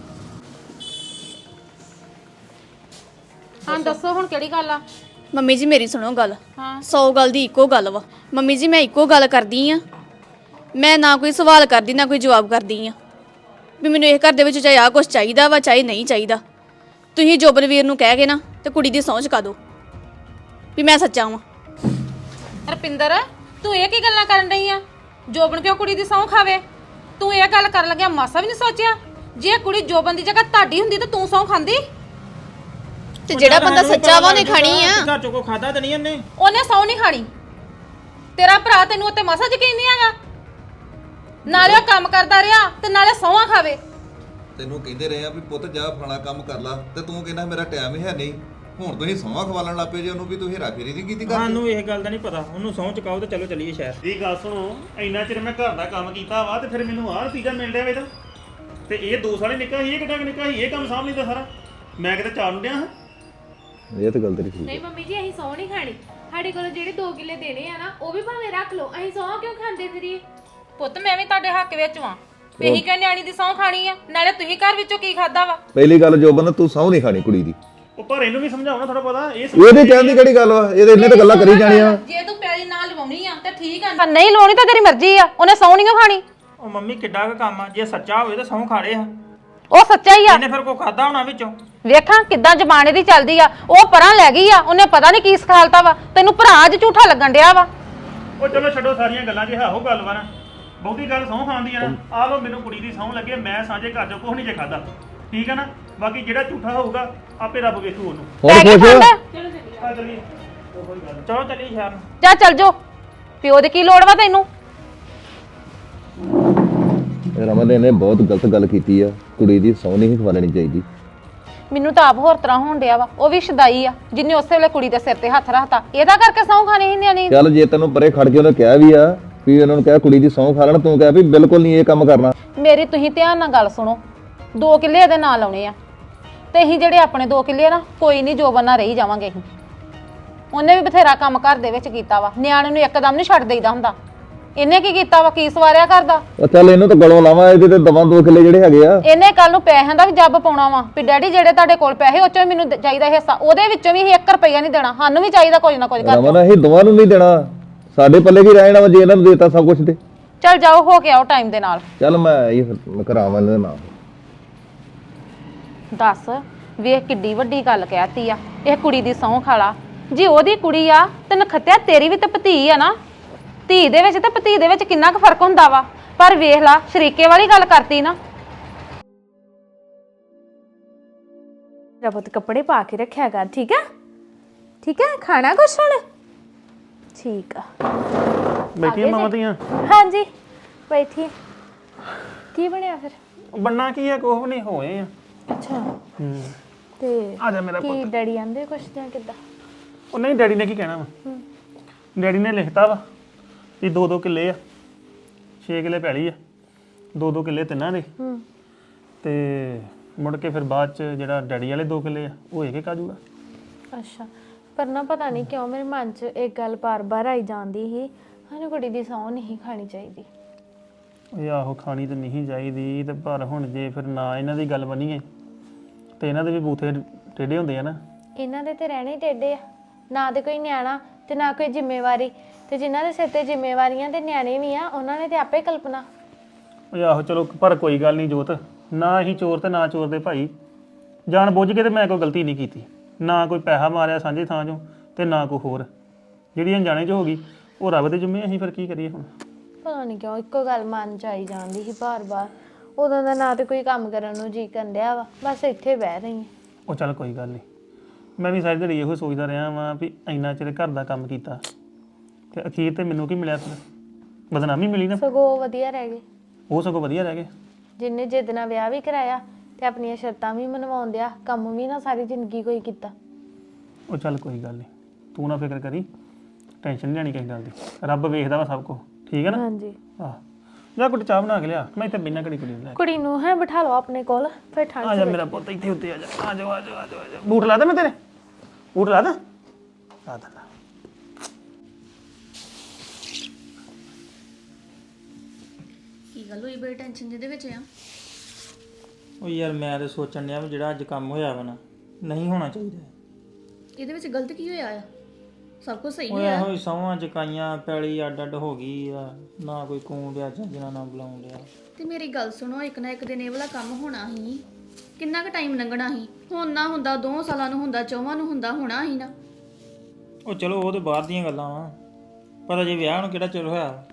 [SPEAKER 5] ਹਾਂ ਦੱਸੋ ਹੁਣ ਕਿਹੜੀ ਗੱਲ ਆ?
[SPEAKER 3] ਮੰਮੀ ਜੀ ਮੇਰੀ ਸੁਣੋ ਗੱਲ।
[SPEAKER 5] ਹਾਂ
[SPEAKER 3] ਸੌ ਗੱਲ ਦੀ ਇੱਕੋ ਗੱਲ ਵਾ ਮੰਮੀ ਜੀ। ਮੈਂ ਇੱਕੋ ਗੱਲ ਕਰਦੀ ਆ, ਮੈਂ ਨਾ ਕੋਈ ਸਵਾਲ ਕਰਦੀ ਨਾ ਕੋਈ ਜਵਾਬ ਕਰਦੀ ਆ ਵੀ ਮੈਨੂੰ ਇਹ ਘਰ ਦੇ ਵਿੱਚ ਚਾਹੇ ਆ ਕੁਛ ਚਾਹੀਦਾ ਵਾ ਚਾਹੇ ਨਹੀਂ ਚਾਹੀਦਾ। ਤੁਸੀਂ ਜੋਬਨਵੀਰ ਨੂੰ ਕਹਿ ਕੇ ਨਾ ਤੇ ਕੁੜੀ ਦੀ ਸਹੁੰ ਚੁਕਾ ਦਿਓ ਵੀ ਮੈਂ ਸੱਚਾ ਵਾਂ।
[SPEAKER 5] ਰਪਿੰਦਰ ਤੂੰ ਇਹ ਕੀ ਗੱਲਾਂ ਕਰਨ ਰਹੀ ਆ? ਜੋਬਨ ਕਿਉਂ ਕੁੜੀ ਦੀ ਸਹੁੰ ਖਾਵੇ? ਤੂੰ ਇਹ ਗੱਲ ਕਰਨ ਲੱਗਿਆ ਮਾਸਾ ਵੀ ਨਹੀਂ ਸੋਚਿਆ? ਜੇ ਕੁੜੀ ਜੋਬਨ ਦੀ ਜਗ੍ਹਾ ਤੁਹਾਡੀ ਹੁੰਦੀ ਤਾਂ ਤੂੰ ਸਹੁੰ ਖਾਂਦੀ?
[SPEAKER 3] ਤੇ ਜਿਹੜਾ ਬੰਦਾ ਸੱਚਾ ਵਾ ਉਹਨੇ ਖਾਣੀ ਆ।
[SPEAKER 4] ਘਰ ਚੋਂ ਕੋ ਖਾਦਾ ਤੇ ਨਹੀਂ ਉਹਨੇ।
[SPEAKER 5] ਉਹਨੇ ਸਹੁੰ ਨਹੀਂ ਖਾਣੀ। ਤੇਰਾ ਭਰਾ ਤੈਨੂੰ ਉੱਤੇ ਮਾਸਾ ਯਕੀਨ ਨਹੀਂ ਹੈਗਾ। ਨਾਲੇ ਉਹ ਕੰਮ ਕਰਦਾ ਰਿਹਾ ਤੇ ਨਾਲੇ ਸਹੁੰਆਂ ਖਾਵੇ।
[SPEAKER 1] ਤੈਨੂੰ ਕਹਿੰਦੇ ਰਹੇ ਆ ਵੀ ਪੁੱਤ ਜਾ ਫਲਾਣਾ ਕੰਮ ਕਰ ਲਾ ਤੇ ਤੂੰ ਕਹਿੰਦਾ ਮੇਰਾ ਟਾਈਮ ਹੀ ਹੈ ਨਹੀਂ। ਹੁਣ ਤੁਸੀਂ ਸੌਂਹਾਂ ਖਵਾਲਣ ਲੱਪੇ ਜੇ ਉਹਨੂੰ ਵੀ ਤੁਸੀਂ ਹੇਰਾਫੇਰੀ ਨਹੀਂ ਕੀਤੀ ਕਰਦੇ।
[SPEAKER 4] ਸਾਨੂੰ ਇਹ ਗੱਲ ਦਾ ਨਹੀਂ ਪਤਾ। ਉਹਨੂੰ ਸਹੁੰ ਚੁਕਾਓ ਤੇ ਚਲੋ ਚੱਲੀਏ ਸ਼ਹਿਰ।
[SPEAKER 2] ਇਹ ਗੱਲ ਸੁਣੋ, ਇੰਨਾ ਚਿਰ ਮੈਂ ਘਰ ਦਾ ਕੰਮ ਕੀਤਾ ਵਾ ਤੇ ਫਿਰ ਮੈਨੂੰ ਆਹ ਨਤੀਜਾ ਮਿਲ ਰਿਹਾ ਵੇ ਤਾਂ। ਤੇ ਇਹ ਦੋ ਸਾਲੇ ਨਿੱਕਾ ਸੀ, ਇਹ ਕਿੱਡਾ ਕੁ ਨਿੱਕਾ ਸੀ, ਇਹ ਕੰਮ ਸਾਂਭ ਲੈਂਦਾ ਸਾਰਾ। ਮੈਂ ਕਿਤੇ ਚਾਰ ਨੂੰ ਡਿਆ ਹਾਂ।
[SPEAKER 1] ਇਹ ਤਾਂ ਗੱਲ ਤੇਰੀ ਠੀਕ ਹੈ।
[SPEAKER 6] ਨਹੀਂ ਮੰਮੀ ਜੀ ਅਸੀਂ ਸਹੁੰ ਨਹੀਂ ਖਾਣੀ। ਸਾਡੇ ਕੋਲ ਜਿਹੜੇ ਦੋ ਕਿੱਲੇ ਦੇਣੇ ਆ ਨਾ ਉਹ ਵੀ ਭਾਵੇਂ ਰੱਖ ਲਓ, ਅਸੀਂ ਸਹੁੰ ਕਿਉਂ ਖਾਂਦੇ ਫਿਰੀਏ?
[SPEAKER 5] ਪੁੱਤ ਮੈਂ ਵੀ ਤੁਹਾਡੇ ਹੱਕ ਵਿੱਚ ਵਾਂ। ਇਹੀ ਕਿ ਨਿਆਣੀ ਦੀ ਸਹੁੰ ਖਾਣੀ ਆ। ਨਾਲੇ ਤੁਸੀਂ ਘਰ ਵਿੱਚੋਂ ਕੀ ਖਾਦਾ ਵਾ?
[SPEAKER 1] ਪਹਿਲੀ ਗੱਲ ਜੋ ਬੰਦਾ ਤੂੰ ਸਹੁੰ ਨਹੀਂ ਖਾਣੀ ਕੁੜੀ ਦੀ।
[SPEAKER 2] ਉਹ ਪਰ ਇਹਨੂੰ ਵੀ ਸਮਝਾਉਣਾ ਥੋੜਾ ਪਤਾ। ਇਹ
[SPEAKER 1] ਇਹਦੇ ਕਹਿਣ ਦੀ ਕਿਹੜੀ ਗੱਲ ਵਾ? ਇਹਦੇ ਇੰਨੇ ਤਾਂ ਗੱਲਾਂ ਕਰੀ ਜਾਣੀਆਂ।
[SPEAKER 5] ਜੇ ਤੂੰ ਪੈਲੀ ਨਾਲ ਲਵਾਉਣੀ ਆ ਤੇ ਠੀਕ ਆ, ਨਹੀਂ ਲਾਉਣੀ ਤਾਂ ਤੇਰੀ ਮਰਜ਼ੀ ਆ। ਉਹਨੇ ਸਹੁੰ ਨਹੀਂ ਖਾਣੀ।
[SPEAKER 4] ਉਹ ਮੰਮੀ ਕਿੱਡਾ ਕੁ ਕੰਮ ਆ। ਜੇ ਸੱਚਾ ਹੋਵੇ ਤਾਂ ਸਹੁੰ ਖਾ ਲੇ ਆ।
[SPEAKER 5] ਉਹ ਸੱਚਾ ਹੀ ਆ।
[SPEAKER 4] ਇਹਨੇ ਫਿਰ ਕੋ ਖਾਦਾ ਹੋਣਾ ਵਿੱਚੋਂ।
[SPEAKER 5] ਵੇਖਾਂ ਕਿੱਦਾਂ ਜ਼ਬਾਨ ਇਹਦੀ ਚੱਲਦੀ ਆ। ਉਹ ਪਰਾਂ ਲੈ ਗਈ ਆ। ਉਹਨੇ ਪਤਾ ਨਹੀਂ ਕੀ ਸਿਖਾਲਤਾ ਵਾ ਤੈਨੂੰ। ਭਰਾ ਅੱਜ ਝੂਠਾ ਲੱਗਣ ਡਿਆ ਵਾ।
[SPEAKER 2] ਉਹ ਚਲੋ ਛੱਡੋ ਸਾਰੀਆਂ ਗੱਲਾਂ, ਜੇ ਆਹੋ ਗੱਲ ਵਾ ਨਾ। ਬਹੁਤੀ ਗੱਲ ਸਹੁੰ ਖਾਣ ਦੀ ਆ ਨਾ। ਆਹ ਲੋ ਮੈਨੂੰ ਕੁੜੀ ਦੀ ਸਹੁੰ ਲੱਗੇ, ਮੈਂ ਸਾਂਝੇ ਘਰ ਚੋਂ ਕੁਛ ਨਹੀਂ ਜੇ ਖਾਦਾ। ਠੀਕ ਹੈ ਨਾ। ਬਾਕੀ ਜਿਹੜਾ ਝੂਠਾ ਹੋਊਗਾ ਆਪੇ ਰੱਬ ਵੇਖੂ ਉਹਨੂੰ।
[SPEAKER 1] ਹੁਣ ਖੁਸ਼ ਆ?
[SPEAKER 2] ਆ ਚੱਲੀਏ।
[SPEAKER 4] ਚਲੋ ਚੱਲੀਏ ਸ਼ਹਿਰ ਨੂੰ।
[SPEAKER 5] ਜਾ ਚੱਲ ਜੋ। ਪਿਓ ਦੀ ਕੀ ਲੋੜ ਵਾ ਤੈਨੂੰ?
[SPEAKER 1] ਰਮਨ ਨੇ ਬਹੁਤ ਗਲਤ ਗੱਲ ਕੀਤੀ ਆ। ਕੁੜੀ ਦੀ ਸਹੁੰ ਨਹੀਂ ਖਵਾਲਣੀ ਚਾਹੀਦੀ।
[SPEAKER 5] ਮੈਨੂੰ ਤਾਂ ਆਪ ਹੋਰ ਤਰ੍ਹਾਂ ਹੋਣ ਡਿਆ ਵਾ। ਉਹ ਵੀ ਸ਼ਦਾਈ ਆ ਜਿੰਨੇ ਉਸੇ ਵੇਲੇ ਕੁੜੀ ਦੇ ਸਿਰ ਤੇ ਹੱਥ ਰੱਖਤਾ। ਇਹਦਾ ਕਰਕੇ ਸਹੁੰ ਖਾਣੀ ਸੀ ਨਿਆਣੀ।
[SPEAKER 1] ਚੱਲ ਜੇ ਤੈਨੂੰ ਪਰੇ ਖੜ ਕੇ ਉਹਨੇ ਕਿਹਾ ਵੀ ਆ ਵੀ ਉਹਨਾਂ ਨੂੰ ਕਿਹਾ ਕੁੜੀ ਦੀ ਸਹੁੰ ਖਾ ਲੈਣ, ਤੂੰ ਕਿਹਾ ਵੀ ਬਿਲਕੁਲ ਨਹੀਂ ਇਹ ਕੰਮ ਕਰਨਾ।
[SPEAKER 5] ਮੇਰੀ ਤੁਸੀਂ ਧਿਆਨ ਨਾਲ ਗੱਲ ਸੁਣੋ। ਦੋ ਕਿੱਲੇ ਇਹਦੇ ਨਾਲ ਲਾਉਣੇ ਆ ਤੇ ਅਸੀਂ ਜਿਹੜੇ ਆਪਣੇ ਦੋ ਕਿੱਲੇ ਆ ਨਾ, ਕੋਈ ਨਹੀਂ ਜੋਬਨ ਨਾਲ ਰਹੀ ਜਾਵਾਂਗੇ ਅਸੀਂ। ਉਹਨੇ ਵੀ ਬਥੇਰਾ ਕੰਮ ਘਰ ਦੇ ਵਿੱਚ ਕੀਤਾ ਵਾ। ਨਿਆਣੇ ਨੂੰ ਇੱਕਦਮ ਨਹੀਂ ਛੱਡ ਦੇਈਦਾ ਹੁੰਦਾ। ਇਹਨੇ ਕੀ ਕੀਤਾ ਵਾ? ਕੀ ਸਵਾਰਿਆ ਕਰਦਾ?
[SPEAKER 1] ਉਹ ਚੱਲ ਇਹਨੂੰ ਤਾਂ ਗਲੋਂ ਲਾਵਾਂ। ਇਹਦੇ ਤੇ ਦਵਾਂ ਦੋ ਕਿੱਲੇ ਜਿਹੜੇ ਹੈਗੇ ਆ।
[SPEAKER 5] ਇਹਨੇ ਕੱਲ ਨੂੰ ਪੈਸਿਆਂ ਦਾ ਵੀ ਜੱਬ ਪਾਉਣਾ ਵਾ ਵੀ ਡੈਡੀ ਜਿਹੜੇ ਤੁਹਾਡੇ ਕੋਲ ਪੈਸੇ ਉਹ ਚੋਂ ਮੈਨੂੰ ਚਾਹੀਦਾ ਹਿੱਸਾ। ਉਹਦੇ ਵਿੱਚੋਂ ਵੀ ਅਸੀਂ ਇੱਕ ਰੁਪਈਆ ਨਹੀਂ ਦੇਣਾ। ਸਾਨੂੰ ਵੀ ਚਾਹੀਦਾ ਕੁਝ ਨਾ ਕੁਝ ਕਰ।
[SPEAKER 1] ਰਮਨ ਅਸੀਂ ਦੋਵਾਂ ਨੂੰ ਨਹੀਂ ਦੇਣਾ। ਸਾਡੇ ਪੱਲੇ ਕੀ ਰਹਿ ਜਾਣਾ ਵਾ ਜੇ ਇਹਨਾਂ ਨੂੰ ਦੇਤਾ ਸਭ ਕੁਝ ਤੇ।
[SPEAKER 5] ਚੱਲ ਜਾਓ ਹੋ ਕੇ ਆਓ ਟਾਈਮ ਦੇ ਨਾਲ।
[SPEAKER 1] ਚੱਲ ਮੈਂ ਇਹ ਕਰਾਵਾਂ ਇਹਦੇ ਨਾਲ।
[SPEAKER 5] ਦੱਸ ਵੇਖ ਕਿੱਡੀ ਵੱਡੀ ਗੱਲ ਕਹਿਤੀ ਆ। ਇਹ ਕੁੜੀ ਦੀ ਸਹੁੰ ਖਾਲਾ। ਜੇ ਉਹਦੀ ਕੁੜੀ ਆ ਤੇ ਨਖੱਤਿਆ ਤੇਰੀ ਵੀ ਤੇ ਭਤੀ ਆ ਨਾ। ਧੀ ਦੇ ਵਿੱਚ ਤੇ ਭਤੀ ਦੇ ਵਿੱਚ ਕਿੰਨਾ ਕੁ ਫਰਕ ਹੁੰਦਾ ਵਾ। ਪਰ ਵੇਖ ਲਾ ਸ਼ਰੀਕੇ ਵਾਲੀ ਗੱਲ ਕਰਤੀ ਨਾ।
[SPEAKER 6] ਰਬਤ ਕੱਪੜੇ ਪਾ ਕੇ ਰੱਖਿਆ ਕਰ, ਠੀਕ ਆ? ਠੀਕ ਆ। ਖਾਣਾ ਕੁਛ ਹੁਣ? ਠੀਕ ਆ।
[SPEAKER 2] ਬੈਠੀਆਂ ਮਾਵਾਂ ਦੀਆਂ।
[SPEAKER 6] ਹਾਂਜੀ ਬੈਠੀ। ਕੀ ਬਣਿਆ ਫਿਰ?
[SPEAKER 2] ਬੰਨਾ ਕੀ ਆ? ਕੁਛ ਨਹੀਂ ਹੋਏ ਆ।
[SPEAKER 6] ਅੱਛਾ
[SPEAKER 2] ਹੂੰ।
[SPEAKER 6] ਤੇ
[SPEAKER 2] ਆ ਜਾ ਮੇਰਾ
[SPEAKER 6] ਕੀ
[SPEAKER 2] ਪੁੱਤ।
[SPEAKER 6] ਡੈਡੀ ਆਂਦੇ ਕੁਛ ਜਾਂ ਕਿੱਦਾਂ?
[SPEAKER 2] ਉਹ ਨਹੀਂ, ਡੈਡੀ ਨੇ ਕੀ ਕਹਿਣਾ ਵਾ। ਡੈਡੀ ਨੇ ਲਿਖਤਾ ਵਾ ਵੀ ਦੋ ਦੋ ਕਿੱਲੇ ਆ, ਛੇ ਕਿੱਲੇ ਪੈਲੀ ਆ, ਦੋ ਦੋ ਕਿੱਲੇ ਤਿੰਨਾਂ ਦੇ। ਤੇ ਮੁੜ ਕੇ ਫਿਰ ਬਾਅਦ ਚ ਜਿਹੜਾ ਡੈਡੀ ਵਾਲੇ ਦੋ ਕਿੱਲੇ ਆ ਉਹ ਇੱਕ ਇੱਕ ਆ ਜੂਗਾ।
[SPEAKER 6] ਅੱਛਾ ਪਰ ਨਾ ਪਤਾ ਨਹੀਂ ਕਿਉਂ ਮੇਰੇ ਮਨ 'ਚ ਇੱਕ ਗੱਲ ਬਾਰ-ਬਾਰ ਆਈ ਜਾਂਦੀ ਸੀ। ਸਾਨੂੰ ਕੁੜੀ ਦੀ ਸਹੁੰ ਨਹੀਂ ਖਾਣੀ ਚਾਹੀਦੀ।
[SPEAKER 2] ਇਹ ਆਹੋ ਖਾਣੀ ਤੇ ਨਹੀਂ ਚਾਹੀਦੀ ਤੇ ਪਰ ਹੁਣ ਜੇ ਫਿਰ ਨਾ ਇਹਨਾਂ ਦੀ ਗੱਲ ਬਣੀਏ ਤੇ ਇਹਨਾਂ ਦੇ ਵੀ ਬੂਥੇ ਟੇਢੇ ਹੁੰਦੇ ਆ ਨਾ।
[SPEAKER 6] ਇਹਨਾਂ ਦੇ ਤੇ ਰਹਿਣੇ ਟੇਢੇ ਆ। ਨਾ ਤੇ ਕੋਈ ਨਿਆਣਾ ਤੇ ਨਾ ਕੋਈ ਜ਼ਿੰਮੇਵਾਰੀ। ਤੇ ਜਿਨ੍ਹਾਂ ਦੇ ਸਿਰ ਤੇ ਜ਼ਿੰਮੇਵਾਰੀਆਂ ਤੇ ਨਿਆਣੇ ਵੀ ਆ ਉਹਨਾਂ ਨੇ ਤੇ ਆਪੇ ਕਲਪਨਾ।
[SPEAKER 2] ਉਹ ਆਹੋ ਚਲੋ ਪਰ ਕੋਈ ਗੱਲ ਨਹੀਂ ਜੋਤ। ਨਾ ਅਸੀਂ ਚੋਰ ਤੇ ਨਾ ਚੋਰ ਦੇ ਭਾਈ। ਜਾਣ ਬੁੱਝ ਕੇ ਤੇ ਮੈਂ ਕੋਈ ਗਲਤੀ ਨਹੀਂ ਕੀਤੀ। ਨਾ ਕੋਈ ਪੈਸਾ ਮਾਰਿਆ ਸਾਂਝੇ ਥਾਂ 'ਚੋਂ ਤੇ ਨਾ ਕੋਈ ਹੋਰ। ਜਿਹੜੀ ਅਣਜਾਣੇ 'ਚ ਹੋ ਗਈ ਉਹ ਰੱਬ ਦੇ ਜ਼ਿੰਮੇ। ਅਸੀਂ ਫਿਰ ਕੀ ਕਰੀਏ ਹੁਣ?
[SPEAKER 6] ਪਤਾ ਨਹੀਂ ਕਿਉਂ ਇੱਕੋ ਗੱਲ ਮਨ 'ਚ ਆਈ ਜਾਂਦੀ ਸੀ ਬਾਰ-ਬਾਰ। ਉਦੋਂ ਦਾ ਨਾ ਤੇ ਕੋਈ ਕੰਮ ਕਰਨ ਨੂੰ ਜੀ ਕਰਨ ਡਿਆ ਵਾ। ਬਸ ਇੱਥੇ ਬਹਿ ਰਹੀ ਹਾਂ।
[SPEAKER 2] ਉਹ ਚੱਲ ਕੋਈ ਗੱਲ ਨਹੀਂ। ਮੈਂ ਵੀ ਸਾਰੀ ਦਿਹਾੜੀ ਇਹੋ ਸੋਚਦਾ ਰਿਹਾ ਵਾਂ ਵੀ ਇੰਨਾ ਚਿਰ ਘਰ ਦਾ ਕੰਮ ਕੀਤਾ ਤੇ ਅਖੀਰ ਤੇ ਮੈਨੂੰ ਕੀ ਮਿਲਿਆ? ਫਿਰ ਬਦਨਾਮੀ ਮਿਲੀ ਨਾ।
[SPEAKER 6] ਸਗੋਂ ਵਧੀਆ ਰਹਿ ਗਏ।
[SPEAKER 2] ਉਹ ਸਗੋਂ ਵਧੀਆ ਰਹਿ ਗਏ।
[SPEAKER 6] ਜਿੰਨੇ ਜਿੱਦ ਨਾਲ ਵਿਆਹ ਵੀ ਕਰਾਇਆ ਤੇ ਆਪਣੀਆਂ ਸ਼ਰਤਾਂ ਵੀ ਮਨਵਾਉਣ ਦਿਆ, ਕੰਮ ਵੀ ਨਾ ਸਾਰੀ ਜ਼ਿੰਦਗੀ ਕੋਈ ਕੀਤਾ।
[SPEAKER 2] ਉਹ ਚੱਲ ਕੋਈ ਗੱਲ ਨਹੀਂ, ਤੂੰ ਨਾ ਫਿਕਰ ਕਰੀ। ਟੈਨਸ਼ਨ ਨਹੀਂ ਲੈਣੀ ਕਿਸੇ ਗੱਲ ਦੀ। ਰੱਬ ਵੇਖਦਾ ਵਾ ਸਭ ਕੁਝ। ਠੀਕ ਹੈ ਨਾ?
[SPEAKER 6] ਹਾਂਜੀ
[SPEAKER 2] ਆਹ ਜਾ ਕੁੜੀ ਚਾਹ ਬਣਾ ਕੇ ਲਿਆ। ਮੈਂ ਇੱਥੇ ਬਿਨਾਂ ਘੜੀ ਕੁੜੀ ਨੂੰ ਲੈ
[SPEAKER 6] ਕੁੜੀ ਨੂੰ ਹੈ ਬਿਠਾ ਲਓ ਆਪਣੇ ਕੋਲ ਫਿਰ ਠੰਡ
[SPEAKER 2] ਆ ਜਾ ਮੇਰਾ ਪੁੱਤ ਇੱਥੇ ਉੱਤੇ ਆ ਜਾ। ਆ ਜਾ ਆ ਜਾ ਆ ਜਾ। ਬੂਟ ਲਾ ਦੇ ਮੈਂ ਤੇਰੇ। ਬੂਟ ਲਾ ਦਾ ਲਾ ਦਾ।
[SPEAKER 3] ਕੀ ਗੱਲ ਹੋਈ? ਬੜੀ ਟੈਨਸ਼ਨ ਜਿਹਦੇ ਵਿੱਚ ਆ।
[SPEAKER 4] ਉਹ ਯਾਰ ਮੈਂ ਤੇ ਸੋਚਣ ਡਿਆ ਵੀ ਜਿਹੜਾ ਅੱਜ ਕੰਮ ਹੋਇਆ ਵਾ ਨਾ ਨਹੀਂ ਹੋਣਾ ਚਾਹੀਦਾ।
[SPEAKER 3] ਇਹਦੇ ਵਿੱਚ ਗਲਤ ਕੀ ਹੋਇਆ ਆ? ਸਭ ਕੁਝ ਸਹੀ
[SPEAKER 4] ਉਹ
[SPEAKER 3] ਹੋਇਆ।
[SPEAKER 4] ਇਹੋ ਹੀ ਸਹੁੰਆਂ ਚਕਾਈਆਂ, ਪੈਲੀ ਅੱਡ ਅੱਡ ਹੋ ਗਈ ਆ। ਨਾ ਕੋਈ ਕੂਣ ਡਿਆ ਚੱਜ ਨਾਲ ਨਾ ਬੁਲਾਉਣ ਡਿਆ।
[SPEAKER 3] ਤੇ ਮੇਰੀ ਗੱਲ ਸੁਣੋ, ਇੱਕ ਨਾ ਇੱਕ ਦਿਨ ਇਹ ਵਾਲਾ ਕੰਮ ਹੋਣਾ ਹੀ। ਕਿੰਨਾ ਕੁ ਟਾਈਮ ਲੰਘਣਾ ਸੀ ਹੁਣ ਨਾ ਹੁੰਦਾ ਦੋ ਸਾਲਾਂ ਨੂੰ ਹੁੰਦਾ ਚੌਵਾਂ ਨੂੰ ਹੁੰਦਾ ਹੋਣਾ ਸੀ ਨਾ।
[SPEAKER 4] ਉਹ ਚਲੋ ਉਹ ਤੇ ਬਾਹਰ ਦੀਆਂ ਗੱਲਾਂ ਵਾ ਪਰ ਅਜੇ ਵਿਆਹ ਨੂੰ ਕਿਹੜਾ ਚਿਰ ਹੋਇਆ।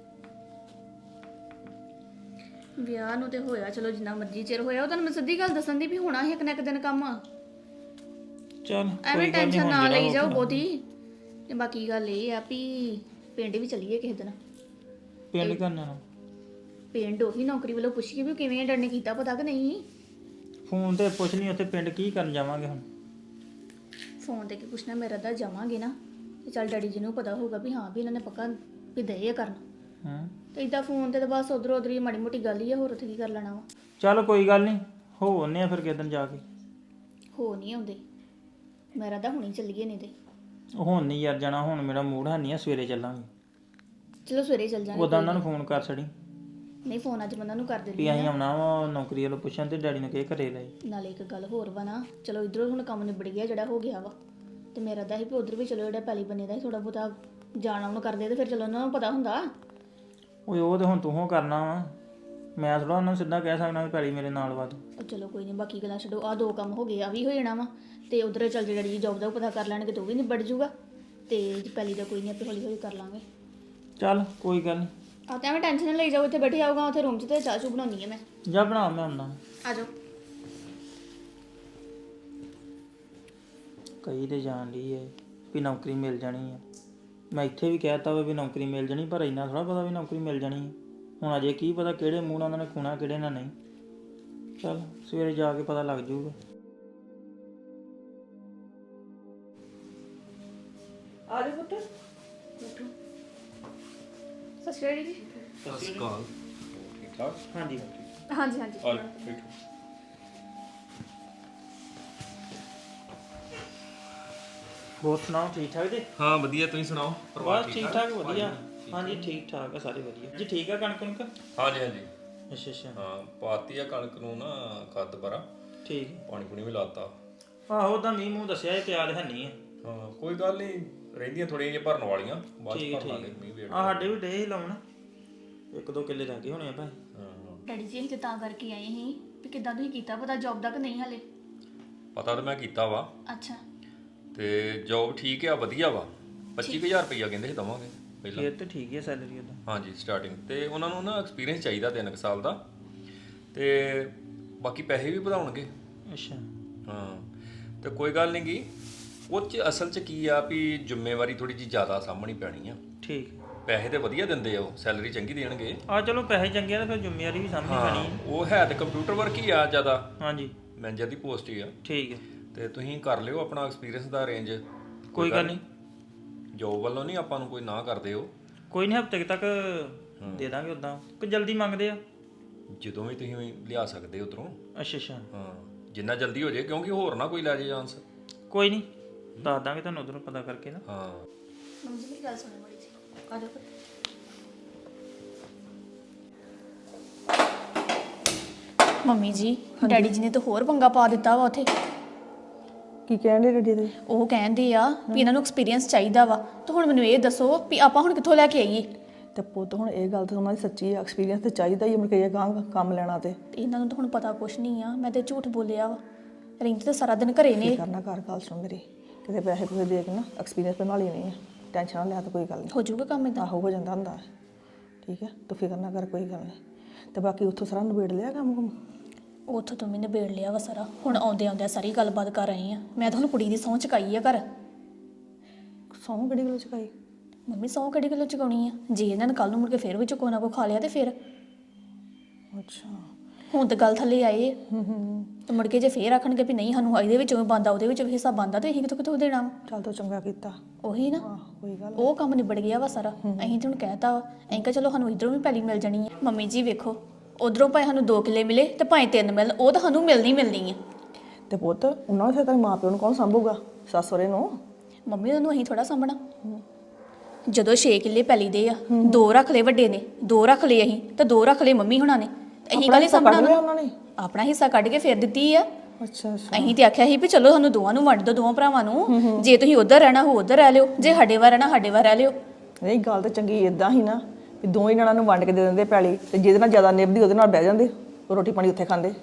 [SPEAKER 3] ਵਿਆਹ ਨੂੰ ਤੇ ਹੋਇਆ ਚਲੋ ਜਿੰਨਾ ਮਰਜ਼ੀ ਚਿਰ ਹੋਇਆ ਉਹ ਤੁਹਾਨੂੰ ਮੈਂ ਸਿੱਧੀ ਗੱਲ ਦੱਸਣ ਦੀ ਵੀ ਹੋਣਾ ਸੀ ਇੱਕ ਨਾ ਇੱਕ ਦਿਨ ਕੰਮ।
[SPEAKER 4] ਚੱਲ
[SPEAKER 3] ਐਵੇਂ ਟੈਨਸ਼ਨ ਨਾ ਲਈ ਜਾਓ ਬਹੁਤੀ। ਤੇ ਬਾਕੀ ਗੱਲ ਇਹ ਆ ਵੀ ਪਿੰਡ ਵੀ ਚੱਲੀਏ ਕਿਸੇ ਦਿਨ।
[SPEAKER 4] ਪਿੰਡ ਕਰਨਾ ਨਾ
[SPEAKER 3] ਪਿੰਡ ਉਹੀ ਨੌਕਰੀ ਵੱਲੋਂ ਪੁੱਛੀਏ ਵੀ ਕਿਵੇਂ ਡਰ ਨੇ ਕੀਤਾ ਪਤਾ ਕਿ ਨਹੀਂ।
[SPEAKER 4] ਫੋਨ ਤੇ ਪੁੱਛ ਲਈ ਉੱਥੇ ਪਿੰਡ ਕੀ ਕਰਨ ਜਾਵਾਂਗੇ ਹੁਣ।
[SPEAKER 3] ਫੋਨ ਤੇ ਕੀ ਪੁੱਛਣਾ ਮੇਰਾ ਤਾਂ ਜਾਵਾਂਗੇ ਨਾ ਤੇ ਚੱਲ ਡੈਡੀ ਜੀ ਨੂੰ ਪਤਾ ਹੋਊਗਾ ਵੀ ਹਾਂ ਵੀ ਇਹਨਾਂ ਨੇ ਪੱਕਾ ਵੀ ਦਏ ਆ ਕਰਨ।
[SPEAKER 4] ਹਾਂ
[SPEAKER 3] ਤੇ ਇਦਾਂ ਫੋਨ ਤੇ ਤਾਂ ਬਸ ਉਧਰ ਉਧਰ ਹੀ ਮਾੜੀ ਮੋਟੀ ਗੱਲ ਹੀ ਆ ਹੋਰ ਉੱਥੇ ਕੀ ਕਰ ਲੈਣਾ ਵਾ।
[SPEAKER 4] ਚੱਲ ਕੋਈ ਗੱਲ ਨਹੀਂ ਹੋ ਆਉਂਦੇ ਆ ਫਿਰ ਕਿਸੇ ਦਿਨ ਜਾ ਕੇ।
[SPEAKER 3] ਹੋ ਨਹੀਂ ਆਉਂਦੇ ਮੇਰਾ ਤਾਂ ਹੁਣੀ ਚੱਲੀਏ ਨਹੀਂ ਤੇ।
[SPEAKER 4] ਹੁਣ ਨਹੀਂ ਯਾਰ ਜਾਣਾ ਹੁਣ ਮੇਰਾ ਮੂਡ ਹੈ ਨਹੀਂ ਆ ਸਵੇਰੇ ਚੱਲਾਂਗੇ।
[SPEAKER 3] ਚਲੋ ਸਵੇਰੇ ਚੱਲ ਜਾਾਂਗੇ।
[SPEAKER 4] ਉਦਾਂ ਉਹਨਾਂ ਨੂੰ ਫੋਨ ਕਰ ਛੜੀ
[SPEAKER 3] ਨਹੀਂ ਫੋਨ ਅੱਜ ਮੈਂ ਉਹਨਾਂ ਨੂੰ ਕਰ
[SPEAKER 4] ਵੀ
[SPEAKER 3] ਦਿੰਦੀ
[SPEAKER 4] ਅਸੀਂ
[SPEAKER 3] ਆ।
[SPEAKER 4] ਆਉਣਾ ਵਾ ਨੌਕਰੀ ਵੱਲੋਂ ਪੁੱਛਣ ਤੇ ਡੈਡੀ ਨੂੰ ਕਹੇ ਘਰੇ ਲਈ।
[SPEAKER 3] ਨਾਲੇ ਇੱਕ ਗੱਲ ਹੋਰ ਵਾ ਨਾ ਚਲੋ ਇਧਰੋਂ ਹੁਣ ਕੰਮ ਨਿਬੜ ਗਿਆ ਜਿਹੜਾ ਹੋ ਗਿਆ ਵਾ ਤੇ ਮੇਰਾ ਤਾਂ ਹੀ ਵੀ ਉਧਰ ਵੀ ਚਲੋ ਜਿਹੜਾ ਪਹਿਲੀ ਬੰਨੇ ਦਾ ਹੀ ਥੋੜਾ ਬਹੁਤਾ ਜਾਣਾ ਉਹਨੂੰ ਕਰਦੇ ਤੇ ਫਿਰ ਚਲੋ ਉਹਨਾਂ ਨੂੰ ਪਤਾ ਹੁੰਦਾ।
[SPEAKER 4] ਓਏ ਉਹ ਤੇ ਹੁਣ ਤੂੰ ਹੋ ਕਰਨਾ ਵਾ ਮੈਂ ਥੋੜਾ ਉਹਨਾਂ ਨੂੰ ਸਿੱਧਾ ਕਹਿ ਸਕਦਾ ਵੀ ਪੈਲੀ ਮੇਰੇ ਨਾਲ ਵਾ ਤੂੰ।
[SPEAKER 3] ਉਹ ਚਲੋ ਕੋਈ ਨਹੀਂ ਬਾਕੀ ਗੱਲਾਂ ਛੱਡੋ ਆਹ ਦੋ ਕੰਮ ਹੋ ਗਏ ਆ ਵੀ ਹੋ ਜਾਣਾ ਵਾ ਤੇ ਉਧਰ ਚੱਲ ਜੇ ਡੈਡੀ ਜੋਬ ਦਾ ਪਤਾ ਕਰ ਲੈਣਗੇ ਤੇ ਉਹ ਵੀ ਨਿਬੜ ਜੂਗਾ ਤੇ ਪਹਿਲੀ ਦਾ ਕੋਈ ਨਹੀਂ ਆਪੇ ਹੌਲੀ ਹੌਲੀ ਕਰ ਲਾਂਗੇ।
[SPEAKER 4] ਚੱਲ ਕੋਈ ਗੱਲ ਨਹੀਂ
[SPEAKER 3] ਆ ਤਾਂ ਐਵੇਂ ਟੈਨਸ਼ਨ ਨਾ ਲਈ ਜਾਓ ਇੱਥੇ ਬੈਠੇ ਆਊਗਾ ਉੱਥੇ ਰੂਮ 'ਚ ਤੇ ਚਾਹ ਚੂ ਬਣਾਉਣੀ ਹੈ ਮੈਂ।
[SPEAKER 4] ਜਾ ਬਣਾ ਮੈਂ ਆਉਂਦਾ।
[SPEAKER 3] ਆ ਜਾਓ।
[SPEAKER 4] ਕਈ ਤੇ ਜਾਣ ਲਈ ਹੈ ਵੀ ਨੌਕਰੀ ਮਿਲ ਜਾਣੀ ਆ। ਮੈਂ ਇੱਥੇ ਵੀ ਕਹਿਤਾ ਵਾ ਵੀ ਨੌਕਰੀ ਮਿਲ ਜਾਣੀ ਪਰ ਇੰਨਾ ਥੋੜਾ ਪਤਾ ਵੀ ਨੌਕਰੀ ਮਿਲ ਜਾਣੀ ਹੈ। ਹੁਣ ਅਜੇ ਕੀ ਪਤਾ ਕਿਹੜੇ ਮੂੰਹ ਨਾਲ ਉਹਨਾਂ ਨੇ ਖੂਣਾ ਕਿਹੜੇ ਨਾਲ ਨਹੀਂ। ਚੱਲ ਸਵੇਰੇ ਜਾ ਕੇ ਪਤਾ ਲੱਗ ਜਾਊਗਾ।
[SPEAKER 7] ਆ ਜਾ ਪੁੱਤ।
[SPEAKER 3] ਸਤਿ ਸ਼੍ਰੀ ਅਕਾਲ ਜੀ।
[SPEAKER 8] ਸਤਿ ਸ਼੍ਰੀ ਅਕਾਲ। ਠੀਕ ਠਾਕ?
[SPEAKER 4] ਹਾਂਜੀ
[SPEAKER 3] ਹਾਂਜੀ ਹਾਂਜੀ
[SPEAKER 8] ਆ ਬੈਠੋ।
[SPEAKER 4] ਹੋਰ ਸੁਣਾਓ ਠੀਕ ਠਾਕ ਜੀ?
[SPEAKER 8] ਹਾਂ ਵਧੀਆ, ਤੁਸੀਂ ਸੁਣਾਓ? ਪਰਿਵਾਰ
[SPEAKER 4] ਬਸ ਠੀਕ ਠਾਕ ਵਧੀਆ। ਹਾਂਜੀ ਠੀਕ ਠਾਕ ਆ ਸਾਰੇ ਵਧੀਆ ਜੀ। ਠੀਕ ਆ ਕਣਕ ਕਣਕ?
[SPEAKER 8] ਹਾਂਜੀ ਹਾਂਜੀ
[SPEAKER 4] ਅੱਛਾ ਅੱਛਾ
[SPEAKER 8] ਹਾਂ ਪਾਤੀ ਆ ਕਣਕ ਨੂੰ ਨਾ ਖਾਦ ਦੁਬਾਰਾ
[SPEAKER 4] ਠੀਕ
[SPEAKER 8] ਪਾਣੀ ਪੂਣੀ ਵੀ ਲਾਤਾ।
[SPEAKER 4] ਆਹੋ ਉਹਦਾ ਮੀਂਹ ਮੂੰਹ ਦੱਸਿਆ ਇਹ ਪਿਆਦ ਹੈ ਨਹੀਂ ਆ।
[SPEAKER 8] ਹਾਂ ਕੋਈ ਗੱਲ ਨਹੀਂ ਰਹਿੰਦੀਆਂ ਥੋੜੀਆਂ ਜਿਹੀਆਂ ਭਰਨ ਵਾਲੀਆਂ ਬਾਅਦ ਚ
[SPEAKER 4] ਠੀਕ
[SPEAKER 8] ਭਰ ਲਾਂਗੇ
[SPEAKER 4] ਠੀਕ
[SPEAKER 8] ਮੀਂਹ ਵੇੜ।
[SPEAKER 4] ਆ ਸਾਡੇ ਵੀ ਡੇ ਹੀ ਲਾਉਣ ਇੱਕ ਦੋ ਕਿੱਲੇ ਲੱਗੇ ਹੋਣੇ ਆ ਭਾਈ।
[SPEAKER 8] ਹਾਂ
[SPEAKER 3] ਡੈਡੀ ਜੀ ਅਸੀਂ ਤੇ ਤਾਂ ਕਰਕੇ ਆਏ ਸੀ ਵੀ ਕਿੱਦਾਂ ਤੁਸੀਂ ਕੀਤਾ ਪਤਾ ਜੌਬ ਦਾ ਕਿ ਨਹੀਂ ਹਲੇ।
[SPEAKER 8] ਪਤਾ ਤਾਂ ਮੈਂ ਕੀਤਾ ਵਾ
[SPEAKER 3] ਅੱਛਾ
[SPEAKER 8] ਤੇ ਜੋਬ ਠੀਕ ਆ ਵਧੀਆ ਵਾ। ਪੱਚੀ ਕੁ ਹਜ਼ਾਰ ਰੁਪਈਆ ਕਹਿੰਦੇ ਸੀ ਦਵਾਂਗੇ ਪਹਿਲਾਂ।
[SPEAKER 4] ਫੇਰ ਤੇ ਠੀਕ ਹੈ ਸੈਲਰੀ ਉਹਦਾ।
[SPEAKER 8] ਹਾਂਜੀ ਸਟਾਰਟਿੰਗ ਤੇ ਉਹਨਾਂ ਨੂੰ ਨਾ ਐਕਸਪੀਰੀਅੰਸ ਚਾਹੀਦਾ ਤਿੰਨ ਕੁ ਸਾਲ ਦਾ ਤੇ ਬਾਕੀ ਪੈਸੇ ਵੀ ਵਧਾਉਣਗੇ।
[SPEAKER 4] ਅੱਛਾ
[SPEAKER 8] ਹਾਂ ਤੇ ਕੋਈ ਗੱਲ ਨਹੀਂ ਗੀ ਉਹ 'ਚ ਅਸਲ 'ਚ ਕੀ ਆ ਵੀ ਜ਼ਿੰਮੇਵਾਰੀ ਥੋੜੀ ਜਿਹੀ ਜ਼ਿਆਦਾ ਸਾਂਭਣੀ ਪੈਣੀ ਆ।
[SPEAKER 4] ਠੀਕ
[SPEAKER 8] ਪੈਸੇ ਤੇ ਵਧੀਆ ਦਿੰਦੇ ਆ ਉਹ ਸੈਲਰੀ ਚੰਗੀ ਦੇਣਗੇ।
[SPEAKER 4] ਆ ਚਲੋ ਪੈਸੇ ਚੰਗੇ ਆ ਤਾਂ ਫਿਰ ਜ਼ਿੰਮੇਵਾਰੀ ਵੀ ਸਾਂਭਣੀ ਪੈਣੀ ਹੈ।
[SPEAKER 8] ਉਹ ਹੈ ਤੇ ਕੰਪਿਊਟਰ ਵਰਕ ਹੀ ਆ ਜ਼ਿਆਦਾ
[SPEAKER 4] ਹਾਂਜੀ
[SPEAKER 8] ਮੈਨੇਜਰ ਦੀ ਪੋਸਟ ਹੀ ਆ
[SPEAKER 4] ਠੀਕ ਹੈ
[SPEAKER 8] ਤੇ ਤੁਸੀਂ ਕਰ ਲਿਓ ਆਪਣਾ ਐਕਸਪੀਰੀਅੰਸ ਦਾ ਅਰੇਂਜ।
[SPEAKER 4] ਕੋਈ ਗੱਲ ਨਹੀਂ
[SPEAKER 8] ਜੋਬ ਵੱਲੋਂ ਨਹੀਂ ਆਪਾਂ ਨੂੰ ਕੋਈ ਨਾ ਕਰਦੇ ਹੋ।
[SPEAKER 4] ਕੋਈ ਨਹੀਂ ਹਫ਼ਤੇ ਤੱਕ ਦੇ ਦਾਂਗੇ ਉਦਾਂ ਕਿ ਜਲਦੀ ਮੰਗਦੇ ਆ।
[SPEAKER 8] ਜਦੋਂ ਵੀ ਤੁਸੀਂ ਲਿਆ ਸਕਦੇ ਉਧਰੋਂ।
[SPEAKER 4] ਅੱਛਾ ਅੱਛਾ
[SPEAKER 8] ਹਾਂ ਜਿੰਨਾ ਜਲਦੀ ਹੋ ਜਾਏ ਕਿਉਂਕਿ ਹੋਰ ਨਾ ਕੋਈ ਲੈ ਜੇ ਚਾਂਸ।
[SPEAKER 4] ਕੋਈ ਨਹੀਂ ਦੱਸ ਦਾਂਗੇ ਤੁਹਾਨੂੰ ਉਧਰੋਂ ਪਤਾ ਕਰਕੇ ਨਾ।
[SPEAKER 8] ਹਾਂ
[SPEAKER 3] ਮੰਮੀ ਜੀ ਮੇਰੀ ਗੱਲ ਸੁਣੋ ਬੜੀ ਜੀ ਆ ਜਾਓ। ਮੰਮੀ ਜੀ ਡੈਡੀ ਜੀ ਨੇ ਤਾਂ ਹੋਰ ਪੰਗਾ ਪਾ ਦਿੱਤਾ ਵਾ ਉੱਥੇ।
[SPEAKER 7] ਕੀ ਕਹਿੰਦੇ ਡੈਡੀ ਦੇ?
[SPEAKER 3] ਉਹ ਕਹਿੰਦੇ ਆ ਵੀ ਇਹਨਾਂ ਨੂੰ ਐਕਸਪੀਰੀਅੰਸ ਚਾਹੀਦਾ ਵਾ ਤੇ ਹੁਣ ਮੈਨੂੰ ਇਹ ਦੱਸੋ ਵੀ ਆਪਾਂ ਹੁਣ ਕਿੱਥੋਂ ਲੈ ਕੇ ਆਈਏ।
[SPEAKER 7] ਤੇ ਪੁੱਤ ਹੁਣ ਇਹ ਗੱਲ ਤਾਂ ਉਹਨਾਂ ਦੀ ਸੱਚੀ ਆ ਐਕਸਪੀਰੀਅੰਸ ਤੇ ਚਾਹੀਦਾ ਹੀ ਮੁੜ ਕੇ ਗਾਂ ਕੰਮ ਲੈਣਾ ਤੇ
[SPEAKER 3] ਤੇ ਇਹਨਾਂ ਨੂੰ ਤਾਂ ਹੁਣ ਪਤਾ ਕੁਛ ਨਹੀਂ ਆ ਮੈਂ ਤੇ ਝੂਠ ਬੋਲਿਆ ਵਾ। ਰਿੰਕ ਤਾਂ ਸਾਰਾ ਦਿਨ ਘਰੇ ਨੇ।
[SPEAKER 7] ਕੀ ਕਰਨਾ ਘਰ ਗੱਲ ਸੁਣ ਮੇਰੀ ਕਿਤੇ ਪੈਸੇ ਪੂਸੇ ਦੇ ਕੇ ਨਾ ਐਕਸਪੀਰੀਅੰਸ ਬਣਾ ਲਈ ਨਹੀਂ ਟੈਨਸ਼ਨ ਨਾ ਲਿਆ ਤਾਂ ਕੋਈ ਗੱਲ ਨਹੀਂ
[SPEAKER 3] ਹੋ ਜਾਊਗਾ ਕੰਮ ਇਦਾਂ।
[SPEAKER 7] ਆਹੋ ਹੋ ਜਾਂਦਾ ਹੁੰਦਾ ਠੀਕ ਹੈ ਤੂੰ ਫਿਕਰ ਨਾ ਕਰ ਕੋਈ ਗੱਲ ਨਹੀਂ ਤੇ ਬਾਕੀ ਉੱਥੋਂ ਸਾਰਾ ਨਿਬੇੜ ਲਿਆ ਕੰਮ ਕੁਮ।
[SPEAKER 3] ਉੱਥੋਂ ਤੋਂ ਮੈਨੇ ਬੇੜ ਲਿਆ ਵਾ ਸਾਰਾ ਹੁਣ ਆਉਂਦੇ ਆਉਂਦੇ ਸਾਰੀ ਗੱਲਬਾਤ ਕਰ ਰਹੇ ਆ। ਮੈਂ ਤਾਂ ਹੁਣ ਕੁੜੀ ਦੀ ਸਹੁੰ ਚੁਕਾਈ ਆ ਘਰ।
[SPEAKER 7] ਸਹੁੰ ਕਿਹੜੀ ਗੱਲ ਚੁਕਾਈ?
[SPEAKER 3] ਮੰਮੀ ਸਹੁੰ ਕਿਹੜੀ ਗੱਲੋਂ ਚੁਕਾਉਣੀ ਆ ਜੇ ਇਹਨਾਂ ਨੇ ਕੱਲ ਨੂੰ ਮੁੜ ਕੇ ਫੇਰ ਵੀ ਚੁਕੋ ਨਾ ਕੋ ਖਾ ਲਿਆ ਤੇ ਫਿਰ
[SPEAKER 7] ਅੱਛਾ
[SPEAKER 3] ਹੁਣ ਤਾਂ ਗੱਲ ਥੱਲੇ ਆਏ ਤੇ ਮੁੜ ਕੇ ਜੇ ਫੇਰ ਆਖਣਗੇ ਵੀ ਨਹੀਂ ਸਾਨੂੰ ਇਹਦੇ ਵਿੱਚੋਂ ਵੀ ਬੰਦਾ ਉਹਦੇ ਵਿੱਚੋਂ ਵੀ ਹਿੱਸਾ ਬੰਦਾ ਤੇ ਅਸੀਂ ਕਿੱਥੋਂ ਕਿੱਥੋਂ ਦੇਣਾ ਵਾ?
[SPEAKER 7] ਚੱਲ ਤੂੰ ਚੰਗਾ ਕੀਤਾ
[SPEAKER 3] ਉਹੀ ਨਾ
[SPEAKER 7] ਆਹ ਕੋਈ ਗੱਲ
[SPEAKER 3] ਉਹ ਕੰਮ ਨਿਬੜ ਗਿਆ ਵਾ ਸਾਰਾ। ਅਸੀਂ ਤੇ ਹੁਣ ਕਹਿਤਾ ਵਾ ਅਸੀਂ ਕਿਹਾ ਚਲੋ ਸਾਨੂੰ ਇਧਰੋਂ ਵੀ ਪੈਲੀ ਮਿਲ ਜਾਣੀ ਹੈ। ਮੰਮੀ ਜੀ ਵੇਖੋ ਉਧਰੋਂ ਭਾਵੇਂ ਸਾਨੂੰ ਦੋ ਕਿੱਲੇ ਮਿਲੇ ਤੇ ਭਾਵੇਂ ਤਿੰਨ ਮਿਲ ਉਹ ਤਾਂ ਸਾਨੂੰ ਮਿਲਣੀ ਮਿਲਣੀ ਆ।
[SPEAKER 7] ਤੇ ਪੁੱਤ ਉਹਨਾਂ ਦੇ ਤੇਰੇ ਮਾਂ ਪਿਓ ਨੂੰ ਕੌਣ ਸੰਭੂਗਾ ਸੱਸ ਸਹੁਰੇ ਨੂੰ?
[SPEAKER 3] ਮੰਮੀ ਉਹਨੂੰ ਅਸੀਂ ਥੋੜਾ ਸਾਂਭਣਾ। ਜਦੋਂ ਛੇ ਕਿੱਲੇ ਪੈਲੀ ਦੇ ਆ ਦੋ ਰੱਖ ਲਏ ਵੱਡੇ ਨੇ ਦੋ ਰੱਖ ਲਏ ਅਸੀਂ ਤੇ ਦੋ ਰੱਖ ਲਏ ਮੰਮੀ ਹੁਣਾਂ ਨੇ ਅਸੀਂ ਕਾਹਲੀ ਸਾਂਭਣਾ
[SPEAKER 7] ਲਿਆ ਉਹਨਾਂ ਨੇ?
[SPEAKER 3] ਆਪਣਾ ਹਿੱਸਾ ਕੱਢ ਕੇ ਫੇਰ ਦਿੱਤੀ ਆ।
[SPEAKER 7] ਅੱਛਾ ਅੱਛਾ
[SPEAKER 3] ਅਸੀਂ ਤੇ ਆਖਿਆ ਸੀ ਵੀ ਚਲੋ ਸਾਨੂੰ ਦੋਵਾਂ ਨੂੰ ਵੰਡ ਦਿਓ ਦੋਵਾਂ ਭਰਾਵਾਂ ਨੂੰ ਜੇ ਤੁਸੀਂ ਉਧਰ ਰਹਿਣਾ ਹੋ ਉਧਰ ਰਹਿ ਲਿਓ ਜੇ ਸਾਡੇ ਵਾਰ ਰਹਿਣਾ ਸਾਡੇ ਵਾਰ ਰਹਿ ਲਿਓ।
[SPEAKER 7] ਨਹੀਂ ਗੱਲ ਤਾਂ ਚੰਗੀ ਇਦਾਂ ਹੀ ਨਾ ਵੀ ਦੋਵੇਂ ਜਣਾਂ ਨੂੰ ਵੰਡ ਕੇ ਦੇ ਦਿੰਦੇ ਪੈਲੀ ਤੇ ਜਿਹਦੇ ਨਾਲ ਜ਼ਿਆਦਾ ਨਿਭਦੀ ਉਹਦੇ ਨਾਲ ਬਹਿ ਜਾਂਦੇ ਰੋਟੀ ਪਾਣੀ ਉੱਥੇ ਖਾਂਦੇ।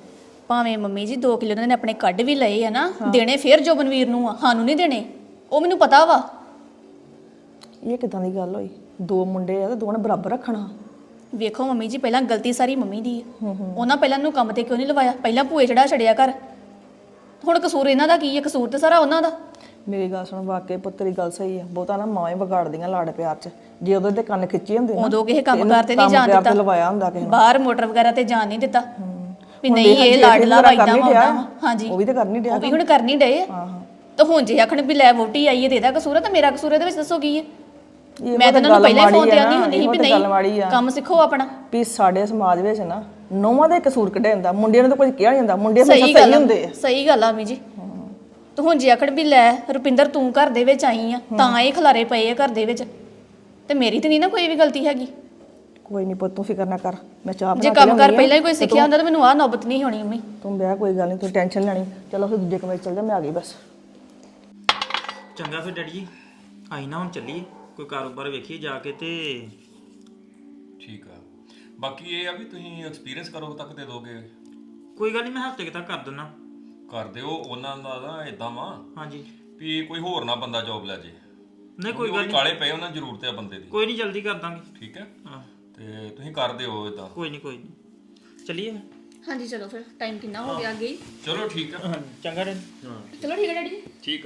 [SPEAKER 3] ਭਾਵੇਂ ਮੰਮੀ ਜੀ ਦੋ ਕਿਲੋ ਉਹਨਾਂ ਨੇ ਆਪਣੇ ਕੱਢ ਵੀ ਲਏ ਆ ਨਾ ਦੇਣੇ ਫੇਰ ਜੋਬਨਵੀਰ ਨੂੰ ਆ ਸਾਨੂੰ ਨਹੀਂ ਦੇਣੇ ਉਹ ਮੈਨੂੰ ਪਤਾ ਵਾ।
[SPEAKER 7] ਇਹ ਕਿਦਾਂ ਦੀ ਗੱਲ ਹੋਈ? ਦੋ ਮੁੰਡੇ ਆ ਤੇ ਦੋਵਾਂ ਨੇ ਬਰਾਬਰ ਰੱਖਣਾ।
[SPEAKER 3] ਵੇਖੋ ਮੰਮੀ ਜੀ ਪਹਿਲਾਂ ਗਲਤੀ ਸਾਰੀ ਮੰਮੀ ਦੀ ਹੈ। ਉਹਨਾਂ ਪਹਿਲਾਂ ਨੂੰ ਕੰਮ ਤੇ ਕਿਉਂ ਨਹੀਂ ਲਵਾਇਆ? ਪਹਿਲਾਂ ਭੂਏ ਚੜਾ ਛੜਿਆ ਕਰ। ਹੁਣ ਕਸੂਰ ਇਹਨਾਂ ਦਾ ਕੀ ਹੈ? ਕਸੂਰ ਤੇ ਸਾਰਾ ਉਹਨਾਂ ਦਾ।
[SPEAKER 7] ਮੇਰੀ ਗੱਲ ਸੁਣ, ਵਾਕਈ ਪੁੱਤਰੀ ਗੱਲ ਸਹੀ ਆ। ਬਹੁਤਾ ਨਾ ਮਾਂ ਹੀ ਵਿਗਾੜਦੀਆਂ ਲਾੜ ਪਿਆਰ 'ਚ। ਜੇ ਉਹਦੇ ਤੇ ਕੰਨ ਖਿੱਚੇ ਹੁੰਦੇ ਨਾ
[SPEAKER 3] ਉਦੋਂ ਕਿਸੇ ਕੰਮ
[SPEAKER 7] ਇਹਨੂੰ
[SPEAKER 3] ਕਾਰ ਤੇ ਨਹੀਂ
[SPEAKER 7] ਕੰਮ
[SPEAKER 3] ਜਾਣ
[SPEAKER 7] ਪਿਆਰ ਤੇ
[SPEAKER 3] ਦਿੱਤਾ
[SPEAKER 7] ਲਵਾਇਆ ਹੁੰਦਾ ਕਿਸੇ ਨੇ।
[SPEAKER 3] ਬਾਹਰ ਮੋਟਰ ਵਗੈਰਾ ਤੇ ਜਾਣ ਨਹੀਂ ਦਿੱਤਾ ਵੀ
[SPEAKER 7] ਹੁਣ
[SPEAKER 3] ਨਹੀਂ
[SPEAKER 7] ਦੇਖ
[SPEAKER 3] ਇਹ
[SPEAKER 7] ਜੇ
[SPEAKER 3] ਲਾਡਲਾ
[SPEAKER 7] ਇਹਨੂੰ
[SPEAKER 3] ਵਾਇਦਾ
[SPEAKER 7] ਕਰਨੀ
[SPEAKER 3] ਹੁੰਦਾ
[SPEAKER 7] ਡਿਆ,
[SPEAKER 3] ਵਾ। ਹਾਂਜੀ
[SPEAKER 7] ਉਹ ਵੀ ਤੇ ਕਰਨੀ ਡਿਆ
[SPEAKER 3] ਉਹ ਵੀ ਹੁਣ ਕਰਨੀ ਡਏ ਆ।
[SPEAKER 7] ਹਾਂ ਹਾਂ
[SPEAKER 3] ਤਾਂ ਹੁਣ ਜੇ ਆਖਣ ਵੀ ਲੈ ਵੋਟੀ ਆਈ ਹੈ ਤੇ ਇਹਦਾ ਕਸੂਰ ਹੈ ਤਾਂ ਮੇਰਾ ਕਸੂਰ ਇਹਦੇ ਵਿੱਚ ਦੱਸੋ ਕੀ ਹੈ?
[SPEAKER 7] ਇਹ
[SPEAKER 3] ਮੈਂ ਤਾਂ ਇਹਨਾਂ ਨੂੰ
[SPEAKER 7] ਗੱਲ
[SPEAKER 3] ਪਹਿਲਾਂ ਹੀ ਫੋਨ
[SPEAKER 7] ਮਾੜੀ
[SPEAKER 3] ਤੇ
[SPEAKER 7] ਆ
[SPEAKER 3] ਆਂਦੀ
[SPEAKER 7] ਨਾ,
[SPEAKER 3] ਹੁੰਦੀ ਸੀ
[SPEAKER 7] ਇਹੋ
[SPEAKER 3] ਵੀ
[SPEAKER 7] ਤਾਂ ਗੱਲ ਮਾੜੀ
[SPEAKER 3] ਨਹੀਂ
[SPEAKER 7] ਆ।
[SPEAKER 3] ਕੰਮ ਸਿੱਖੋ ਆਪਣਾ।
[SPEAKER 7] ਵੀ ਸਾਡੇ ਸਮਾਜ ਵਿੱਚ ਨਾ ਨੌਵਾਂ ਦਾ ਹੀ ਕਸੂਰ ਕੱਢਿਆ ਜਾਂਦਾ, ਮੁੰਡਿਆਂ ਨੂੰ ਤਾਂ ਕੁਝ ਕਿਹਾ ਨਹੀਂ ਜਾਂਦਾ। ਮੁੰਡੇ ਹਮੇਸ਼ਾ
[SPEAKER 3] ਸਹੀ
[SPEAKER 7] ਸਹੀ
[SPEAKER 3] ਗੱਲ
[SPEAKER 7] ਹੁੰਦੇ
[SPEAKER 3] ਆ
[SPEAKER 7] ਆ।
[SPEAKER 3] ਸਹੀ ਗੱਲ ਆ ਮੀ ਜੀ। ਤੂੰ ਹੁਣ ਜੇ ਆਖੜ ਵੀ ਲੈ ਰੁਪਿੰਦਰ ਤੂੰ ਘਰ ਦੇ ਵਿੱਚ ਆਈ ਆ ਤਾਂ ਇਹ ਖਲਾਰੇ ਪਏ ਆ ਘਰ ਦੇ ਵਿੱਚ ਤੇ ਮੇਰੀ ਤੇ ਨਹੀਂ ਨਾ ਕੋਈ ਵੀ ਗਲਤੀ ਹੈਗੀ।
[SPEAKER 7] ਕੋਈ ਨਹੀਂ ਪੁੱਤ, ਤੂੰ ਫਿਕਰ ਨਾ ਕਰ। ਮੈਂ ਚਾਹ
[SPEAKER 3] ਜੇ
[SPEAKER 7] ਬਣਾ ਕੇ
[SPEAKER 3] ਕੰਮ ਕਰ
[SPEAKER 7] ਲਿਆਉਂਦੀ ਆ।
[SPEAKER 3] ਪਹਿਲਾਂ ਹੀ ਕੋਈ ਸਿੱਖਿਆ ਹੁੰਦਾ ਤਾਂ ਮੈਨੂੰ ਆਹ ਨੌਬਤ ਨਹੀਂ ਹੋਣੀ ਮੰਮੀ।
[SPEAKER 7] ਤੂੰ ਬਿਆ ਕੋਈ ਗੱਲ ਨਹੀਂ, ਤੂੰ ਟੈਨਸ਼ਨ ਲੈਣੀ। ਚਲੋ ਫਿਰ ਦੂਜੇ ਕਮਰੇ 'ਚ ਚੱਲ ਜਾ, ਮੈਂ ਆ ਗਈ ਬਸ।
[SPEAKER 4] ਚੰਗਾ ਫਿਰ ਡੈਡੀ ਜੀ ਆਈ ਨਾ ਹੁਣ ਚੱਲੀਏ ਕੋਈ ਕਾਰੋਬਾਰ ਵੇਖੀਏ ਜਾ ਕੇ ਤੇ
[SPEAKER 8] ਠੀਕ ਆ। ਬਾਕੀ ਇਹ ਆ ਵੀ ਤੁਸੀਂ ਐਕਸਪੀਰੀਅੰਸ ਕਰੋ ਤੱਕ ਦੇ ਦੋਗੇ।
[SPEAKER 4] ਕੋਈ ਗੱਲ ਨਹੀਂ ਮੈਂ ਹਫ਼ਤੇ ਕੁ ਤੱਕ ਕਰ ਦਿੰਦਾ।
[SPEAKER 8] ਕਰ ਦਿਓ। ਉਹਨਾਂ ਦਾ ਨਾ ਇਦਾਂ ਵਾ
[SPEAKER 4] ਹਾਂਜੀ
[SPEAKER 8] ਵੀ ਕੋਈ ਹੋਰ ਨਾ ਬੰਦਾ ਜੌਬ ਲੈ ਜੇ।
[SPEAKER 4] ਨਹੀਂ ਕੋਈ
[SPEAKER 8] ਉਹ
[SPEAKER 4] ਗੱਲ ਨਹੀਂ
[SPEAKER 8] ਕਾਲੇ ਪਏ, ਉਹਨਾਂ ਨੂੰ ਜ਼ਰੂਰਤ ਹੈ ਬੰਦੇ ਦੀ।
[SPEAKER 4] ਕੋਈ ਨਹੀਂ ਜਲਦੀ ਕਰ ਦਾਂਗੇ।
[SPEAKER 8] ਠੀਕ ਹੈ
[SPEAKER 4] ਹਾਂ
[SPEAKER 8] ਤੇ ਤੁਸੀਂ ਕਰ ਦਿਓ ਇਦਾਂ।
[SPEAKER 4] ਕੋਈ ਨਹੀਂ ਕੋਈ ਨਹੀਂ ਚੱਲੀਏ
[SPEAKER 3] ਹਾਂਜੀ ਚਲੋ ਫਿਰ ਟਾਈਮ ਕਿੰਨਾ ਹੋ ਗਿਆ ਅੱਗੇ ਹੀ।
[SPEAKER 8] ਚਲੋ ਠੀਕ ਹੈ।
[SPEAKER 4] ਚੰਗਾ ਡੈਡੀ।
[SPEAKER 8] ਹਾਂ
[SPEAKER 3] ਚਲੋ ਠੀਕ ਹੈ ਡੈਡੀ।
[SPEAKER 8] ਠੀਕ ਹੈ।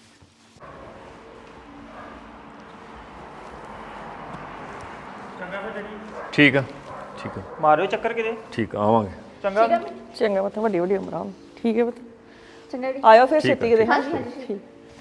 [SPEAKER 4] ਚੰਗਾ ਫਿਰ ਡੈਡੀ
[SPEAKER 8] ਠੀਕ ਆ ਠੀਕ ਆ
[SPEAKER 4] ਮਾਰਿਓ ਚੱਕਰ ਕਿਤੇ।
[SPEAKER 8] ਠੀਕ ਆ, ਆਵਾਂਗੇ।
[SPEAKER 4] ਚੰਗਾ
[SPEAKER 7] ਚੰਗਾ ਪੁੱਤ, ਵੱਡੀ ਵੱਡੀ ਉਮਰਾਂ। ਠੀਕ ਹੈ ਪੁੱਤ,
[SPEAKER 3] ਚੰਗਾ ਡੈਡੀ।
[SPEAKER 7] ਆਇਓ ਫਿਰ ਛੇਤੀ ਕਿਤੇ। ਠੀਕ।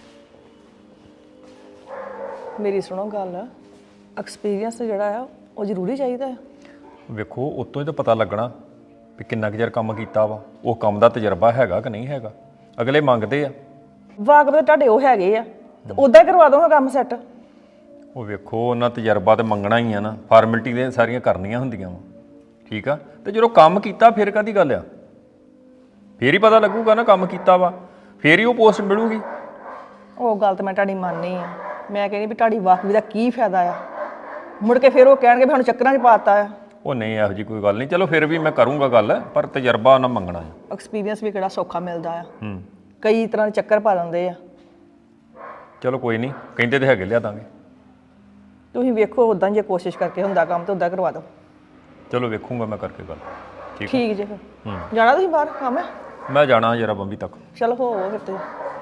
[SPEAKER 7] ਮੇਰੀ ਸੁਣੋ ਗੱਲ, ਐਕਸਪੀਰੀਅੰਸ ਜਿਹੜਾ ਆ ਉਹ ਜ਼ਰੂਰੀ ਚਾਹੀਦਾ ਹੈ।
[SPEAKER 8] ਵੇਖੋ ਉਤੋਂ ਹੀ ਤਾਂ ਪਤਾ ਲੱਗਣਾ ਵੀ ਕਿੰਨਾ ਕੁ ਚਿਰ ਕੰਮ ਕੀਤਾ ਵਾ, ਉਹ ਕੰਮ ਦਾ ਤਜਰਬਾ ਹੈਗਾ ਕਿ ਨਹੀਂ ਹੈਗਾ। ਅਗਲੇ ਮੰਗਦੇ ਆ।
[SPEAKER 7] ਵਾਕਬ ਤਾਂ ਤੁਹਾਡੇ ਉਹ ਹੈਗੇ ਆ, ਤੇ ਉਦਾਂ ਹੀ ਕਰਵਾ ਦੋਗਾ ਕੰਮ ਸੈੱਟ।
[SPEAKER 8] ਉਹ ਵੇਖੋ ਉਹਨਾਂ ਤਜਰਬਾ ਤੇ ਮੰਗਣਾ ਹੀ ਆ ਨਾ, ਫਾਰਮੈਲਿਟੀ ਦੇ ਸਾਰੀਆਂ ਕਰਨੀਆਂ ਹੁੰਦੀਆਂ ਵਾ। ਠੀਕ ਆ, ਤੇ ਜਦੋਂ ਕੰਮ ਕੀਤਾ ਫਿਰ ਕਾਹਦੀ ਗੱਲ ਆ? ਫੇਰ ਹੀ ਪਤਾ ਲੱਗੂਗਾ ਨਾ ਕੰਮ ਕੀਤਾ ਵਾ, ਫੇਰ ਹੀ ਉਹ ਪੋਸਟ ਮਿਲੂਗੀ।
[SPEAKER 7] ਉਹ ਗੱਲ ਤਾਂ ਮੈਂ ਤੁਹਾਡੀ ਮੰਨਨੀ ਆ। ਮੈਂ ਕਹਿੰਦੀ ਵੀ ਤੁਹਾਡੀ ਵਾਕਬੀ ਦਾ ਕੀ ਫਾਇਦਾ ਆ? ਮੁੜ ਕੇ ਫਿਰ ਉਹ ਕਹਿਣਗੇ ਵੀ ਸਾਨੂੰ ਚੱਕਰਾਂ 'ਚ ਪਾਤਾ ਆ।
[SPEAKER 8] ਉਹ ਨਹੀਂ, ਇਹੋ ਜੀ ਕੋਈ ਗੱਲ ਨਹੀਂ। ਚਲੋ ਫਿਰ ਵੀ ਮੈਂ ਕਰੂੰਗਾ ਗੱਲ, ਪਰ ਤਜਰਬਾ ਉਹਨਾਂ ਮੰਗਣਾ ਹੈ।
[SPEAKER 7] ਐਕਸਪੀਰੀਅੰਸ ਵੀ ਕਿਹੜਾ ਸੌਖਾ ਮਿਲਦਾ ਆ।
[SPEAKER 8] ਹੂੰ
[SPEAKER 7] ਕਈ ਤਰ੍ਹਾਂ ਦੇ ਚੱਕਰ ਪਾ ਦਿੰਦੇ ਆ।
[SPEAKER 8] ਚਲੋ ਕੋਈ ਨਹੀਂ, ਕਹਿੰਦੇ ਤੇ ਹੈਗੇ, ਲਿਆ ਦਾਂਗੇ।
[SPEAKER 7] ਤੁਸੀਂ ਵੇਖੋ ਉਦਾਂ ਜੇ ਕੋਸ਼ਿਸ਼ ਕਰਕੇ ਹੁੰਦਾ ਕੰਮ ਤਾਂ ਉਦਾਂ ਕਰਵਾ ਦਿਓ।
[SPEAKER 8] ਚਲੋ ਵੇਖੂੰਗਾ ਮੈਂ ਕਰਕੇ ਗੱਲ। ਠੀਕ ਆ?
[SPEAKER 7] ਠੀਕ ਜੇ ਫਿਰ ਜਾਣਾ ਤੁਸੀਂ ਬਾਹਰ ਕੰਮ ਹੈ?
[SPEAKER 8] ਮੈਂ ਜਾਣਾ ਜਰਾ ਬੰਬੀ ਤੱਕ।
[SPEAKER 7] ਚਲੋ ਹੋ ਫਿਰ ਤੇ।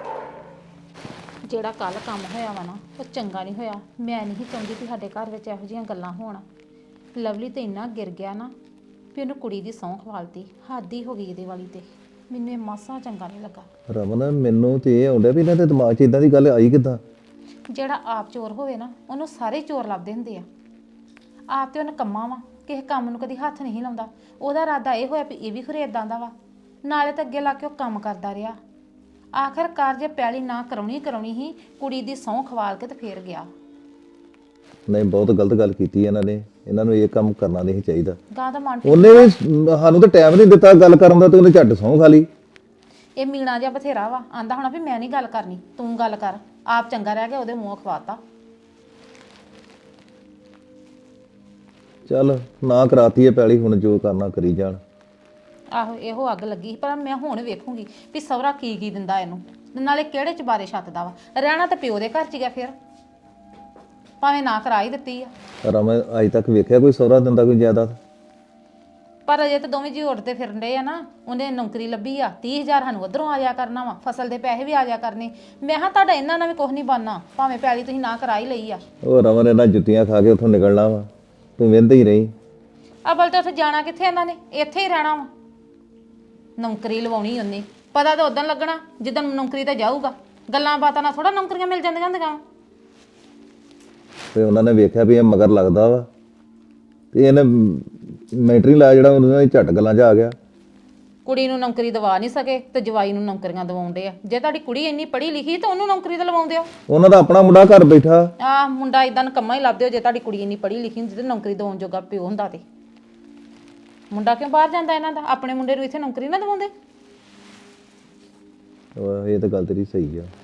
[SPEAKER 5] ਜਿਹੜਾ ਕੱਲ ਕੰਮ ਹੋਇਆ ਵਾ ਨਾ ਉਹ ਚੰਗਾ ਨਹੀਂ ਹੋਇਆ। ਮੈਂ ਨਹੀਂ ਚਾਹੁੰਦੀ ਕਿ ਸਾਡੇ ਘਰ ਵਿੱਚ ਇਹੋ ਜਿਹੀਆਂ ਗੱਲਾਂ ਹੋਣ। ਲਵਲੀ ਤੇ ਇੰਨਾ ਗਿਰ ਗਿਆ ਨਾ ਵੀ ਉਹਨੂੰ ਕੁੜੀ ਦੀ ਸਹੁੰ ਖਵਾਲਤੀ। ਹੱਦ ਹੀ ਹੋ ਗਈ ਇਹਦੇ ਵਾਲੀ ਤੇ। ਮੈਨੂੰ ਇਹ ਮਾਸਾ ਚੰਗਾ ਨਹੀਂ ਲੱਗਾ।
[SPEAKER 1] ਰਮਨ, ਮੈਨੂੰ ਤੇ ਇਹ ਆਉਂਦਾ ਵੀ ਇਹਨਾਂ ਦੇ ਦਿਮਾਗ 'ਚ ਇਦਾਂ ਦੀ ਗੱਲ ਆਈ ਕਿੱਦਾਂ?
[SPEAKER 5] ਜਿਹੜਾ ਆਪ ਚੋਰ ਹੋਵੇ ਨਾ ਉਹਨੂੰ ਸਾਰੇ ਚੋਰ ਲੱਭਦੇ ਹੁੰਦੇ ਆ। ਆਪ ਤੇ ਉਹਨੇ ਕੰਮਾਂ ਵਾ, ਕਿਸੇ ਕੰਮ ਨੂੰ ਕਦੀ ਹੱਥ ਨਹੀਂ ਲਾਉਂਦਾ। ਉਹਦਾ ਇਰਾਦਾ ਇਹ ਹੋਇਆ ਵੀ ਇਹ ਵੀ ਖਰੇ ਇਦਾਂ ਦਾ ਵਾ। ਨਾਲੇ ਤਾਂ ਅੱਗੇ ਲਾ ਕੇ ਉਹ ਕੰਮ ਕਰਦਾ ਰਿਹਾ। ਆਖਿਰਕਾਰ ਜੇ ਪੈਲੀ ਨਾ ਕਰਾਉਣੀ ਕਰਾਉਣੀ ਹੀ ਕੁੜੀ ਦੀ ਸਹੁੰ ਖਵਾਲ ਕੇ ਤੇ ਫੇਰ ਗਿਆ।
[SPEAKER 1] ਨਹੀਂ, ਬਹੁਤ ਗਲਤ ਗੱਲ ਕੀਤੀ ਇਹਨਾਂ ਨੇ। ਇਹਨਾਂ ਨੂੰ ਇਹ ਕੰਮ ਕਰਨਾ ਨਹੀਂ ਚਾਹੀਦਾ।
[SPEAKER 5] ਗਾਂ ਦਾ ਮਨ
[SPEAKER 1] ਉਹਨੇ ਵੀ ਸਾਨੂੰ ਤਾਂ ਟਾਈਮ ਨਹੀਂ ਦਿੱਤਾ ਗੱਲ ਕਰਨ ਦਾ, ਤੇ ਉਹਨੇ ਝੱਟ ਸਹੁੰ ਖਾ ਲਈ।
[SPEAKER 5] ਇਹ ਮੀਣਾ ਜਿਹਾ ਬਥੇਰਾ ਵਾ। ਆਂਦਾ ਹੋਣਾ ਵੀ ਮੈਂ ਨਹੀਂ ਗੱਲ ਕਰਨੀ, ਤੂੰ ਗੱਲ ਕਰ। ਆਪ ਚੰਗਾ ਰਹਿ ਗਿਆ, ਉਹਦੇ ਮੂੰਹ ਖਵਾਤਾ।
[SPEAKER 1] ਚੱਲ ਨਾ ਕਰਾਤੀ ਹੈ ਪੈਲੀ, ਹੁਣ ਜੋ ਕਰਨਾ ਕਰੀ ਜਾਣ।
[SPEAKER 5] ਆਹੋ ਇਹੋ ਅੱਗ ਲੱਗੀ ਸੀ, ਪਰ ਮੈਂ ਹੁਣ ਵੇਖੂੰਗੀ ਵੀ ਸਹੁਰਾ ਕੀ ਕੀ ਦਿੰਦਾ ਇਹਨੂੰ, ਨਾਲੇ ਕਿਹੜੇ ਚਬਾਰੇ ਛੱਤਦਾ ਵਾ। ਰਹਿਣਾ ਤਾਂ ਪਿਓ ਦੇ ਘਰ 'ਚ ਗਿਆ ਫਿਰ, ਭਾਵੇਂ ਨਾ ਕਰਾ ਹੀ ਦਿੱਤੀ ਆ।
[SPEAKER 1] ਰਮਨ, ਅੱਜ ਤੱਕ ਵੇਖਿਆ ਕੋਈ ਸਹੁਰਾ ਦਿੰਦਾ ਕੋਈ ਜਾਇਦਾਦ?
[SPEAKER 5] ਪਰ ਅਜੇ ਤਾਂ ਦੋਵੇਂ ਜੀ ਉੱਠਦੇ ਫਿਰਨ ਡਏ ਆ ਨਾ। ਉਹਨੇ ਨੌਕਰੀ ਲੱਭੀ ਆ, ਤੀਹ ਹਜ਼ਾਰ ਸਾਨੂੰ ਉਧਰੋਂ ਆ ਜਾ ਕਰਨਾ ਵਾ, ਫਸਲ ਦੇ ਪੈਸੇ ਵੀ ਆ ਜਾ ਕਰਨੇ। ਮੈਂ ਹਾਂ ਤੁਹਾਡਾ ਇਹਨਾਂ ਨਾਲ ਵੀ ਕੁਝ ਨਹੀਂ ਬਣਨਾ, ਭਾਵੇਂ ਪੈਲੀ ਤੁਸੀਂ ਨਾ ਕਰਾ ਹੀ ਲਈ ਆ।
[SPEAKER 1] ਉਹ ਰਮਨ, ਇਹਨਾਂ ਜੁੱਤੀਆਂ ਖਾ ਕੇ ਉੱਥੋਂ ਨਿਕਲਣਾ ਵਾ, ਤੂੰ ਵਹਿੰਦੇ ਹੀ ਰਹੀ।
[SPEAKER 5] ਅਬਲ ਤਾਂ ਉੱਥੇ ਜਾਣਾ ਕਿੱਥੇ ਇਹਨਾਂ ਨੇ, ਇੱਥੇ ਹੀ ਰਹਿਣਾ ਵਾ। ਨੌਕਰੀ ਲਵਾਉਣੀ ਉਹਨੇ, ਪਤਾ ਤਾਂ ਉਦੋਂ ਲੱਗਣਾ ਜਦੋਂ ਨੌਕਰੀ ਤੇ ਜਾਊਗਾ। ਗੱਲਾਂ ਬਾਤਾਂ ਨਾਲ ਥੋੜਾ ਨੌਕਰੀਆਂ ਮਿਲ ਜਾਂਦੀਆਂ ਹੁੰਦੀਆਂ।
[SPEAKER 1] ਤੇ ਉਹਨਾਂ ਨੇ ਵੇਖਿਆ ਵੀ ਇਹ ਮਗਰ ਲੱਗਦਾ ਵਾ, ਤੇ ਇਹਨੇ ਮੈਂਟਰੀ ਲਾਇਆ ਜਿਹੜਾ, ਉਹਨਾਂ ਨੇ ਝੱਟ ਗੱਲਾਂ 'ਚ ਆ ਗਿਆ।
[SPEAKER 5] ਕੁੜੀ ਨੂੰ ਨੌਕਰੀ ਦਵਾ ਨਹੀਂ ਸਕੇ ਤੇ ਜਵਾਈ ਨੂੰ ਨੌਕਰੀਆਂ ਦਵਾਉਂਦੇ ਆ। ਜੇ ਤੁਹਾਡੀ ਕੁੜੀ ਇੰਨੀ ਪੜ੍ਹੀ ਲਿਖੀ ਤਾਂ ਉਹਨੂੰ ਨੌਕਰੀ ਤੇ ਲਵਾਉਂਦੇ ਹੋ।
[SPEAKER 1] ਉਹਨਾਂ ਦਾ ਆਪਣਾ ਮੁੰਡਾ ਘਰ ਬੈਠਾ।
[SPEAKER 5] ਆਹ ਮੁੰਡਾ ਇਦਾਂ ਨਕੰਮਾ ਹੀ ਲੱਭਦੇ ਹੋ। ਜੇ ਤੁਹਾਡੀ ਕੁੜੀ ਇੰਨੀ ਪੜ੍ਹੀ ਲਿਖੀ ਹੁੰਦੀ ਤੇ ਨੌਕਰੀ ਦਵਾਉਣ ਜੋਗਾ ਪਿਓ ਹੁੰਦਾ ਤੇ ਮੁੰਡਾ ਕਿਉਂ ਬਾਹਰ ਜਾਂਦਾ ਇਹਨਾਂ ਦਾ? ਆਪਣੇ ਮੁੰਡੇ ਨੂੰ ਇੱਥੇ ਨੌਕਰੀ ਨਾ ਦਵਾਉਂਦੇ।
[SPEAKER 1] ਇਹ ਤਾਂ ਗੱਲ ਤੇਰੀ ਸਹੀ ਆ।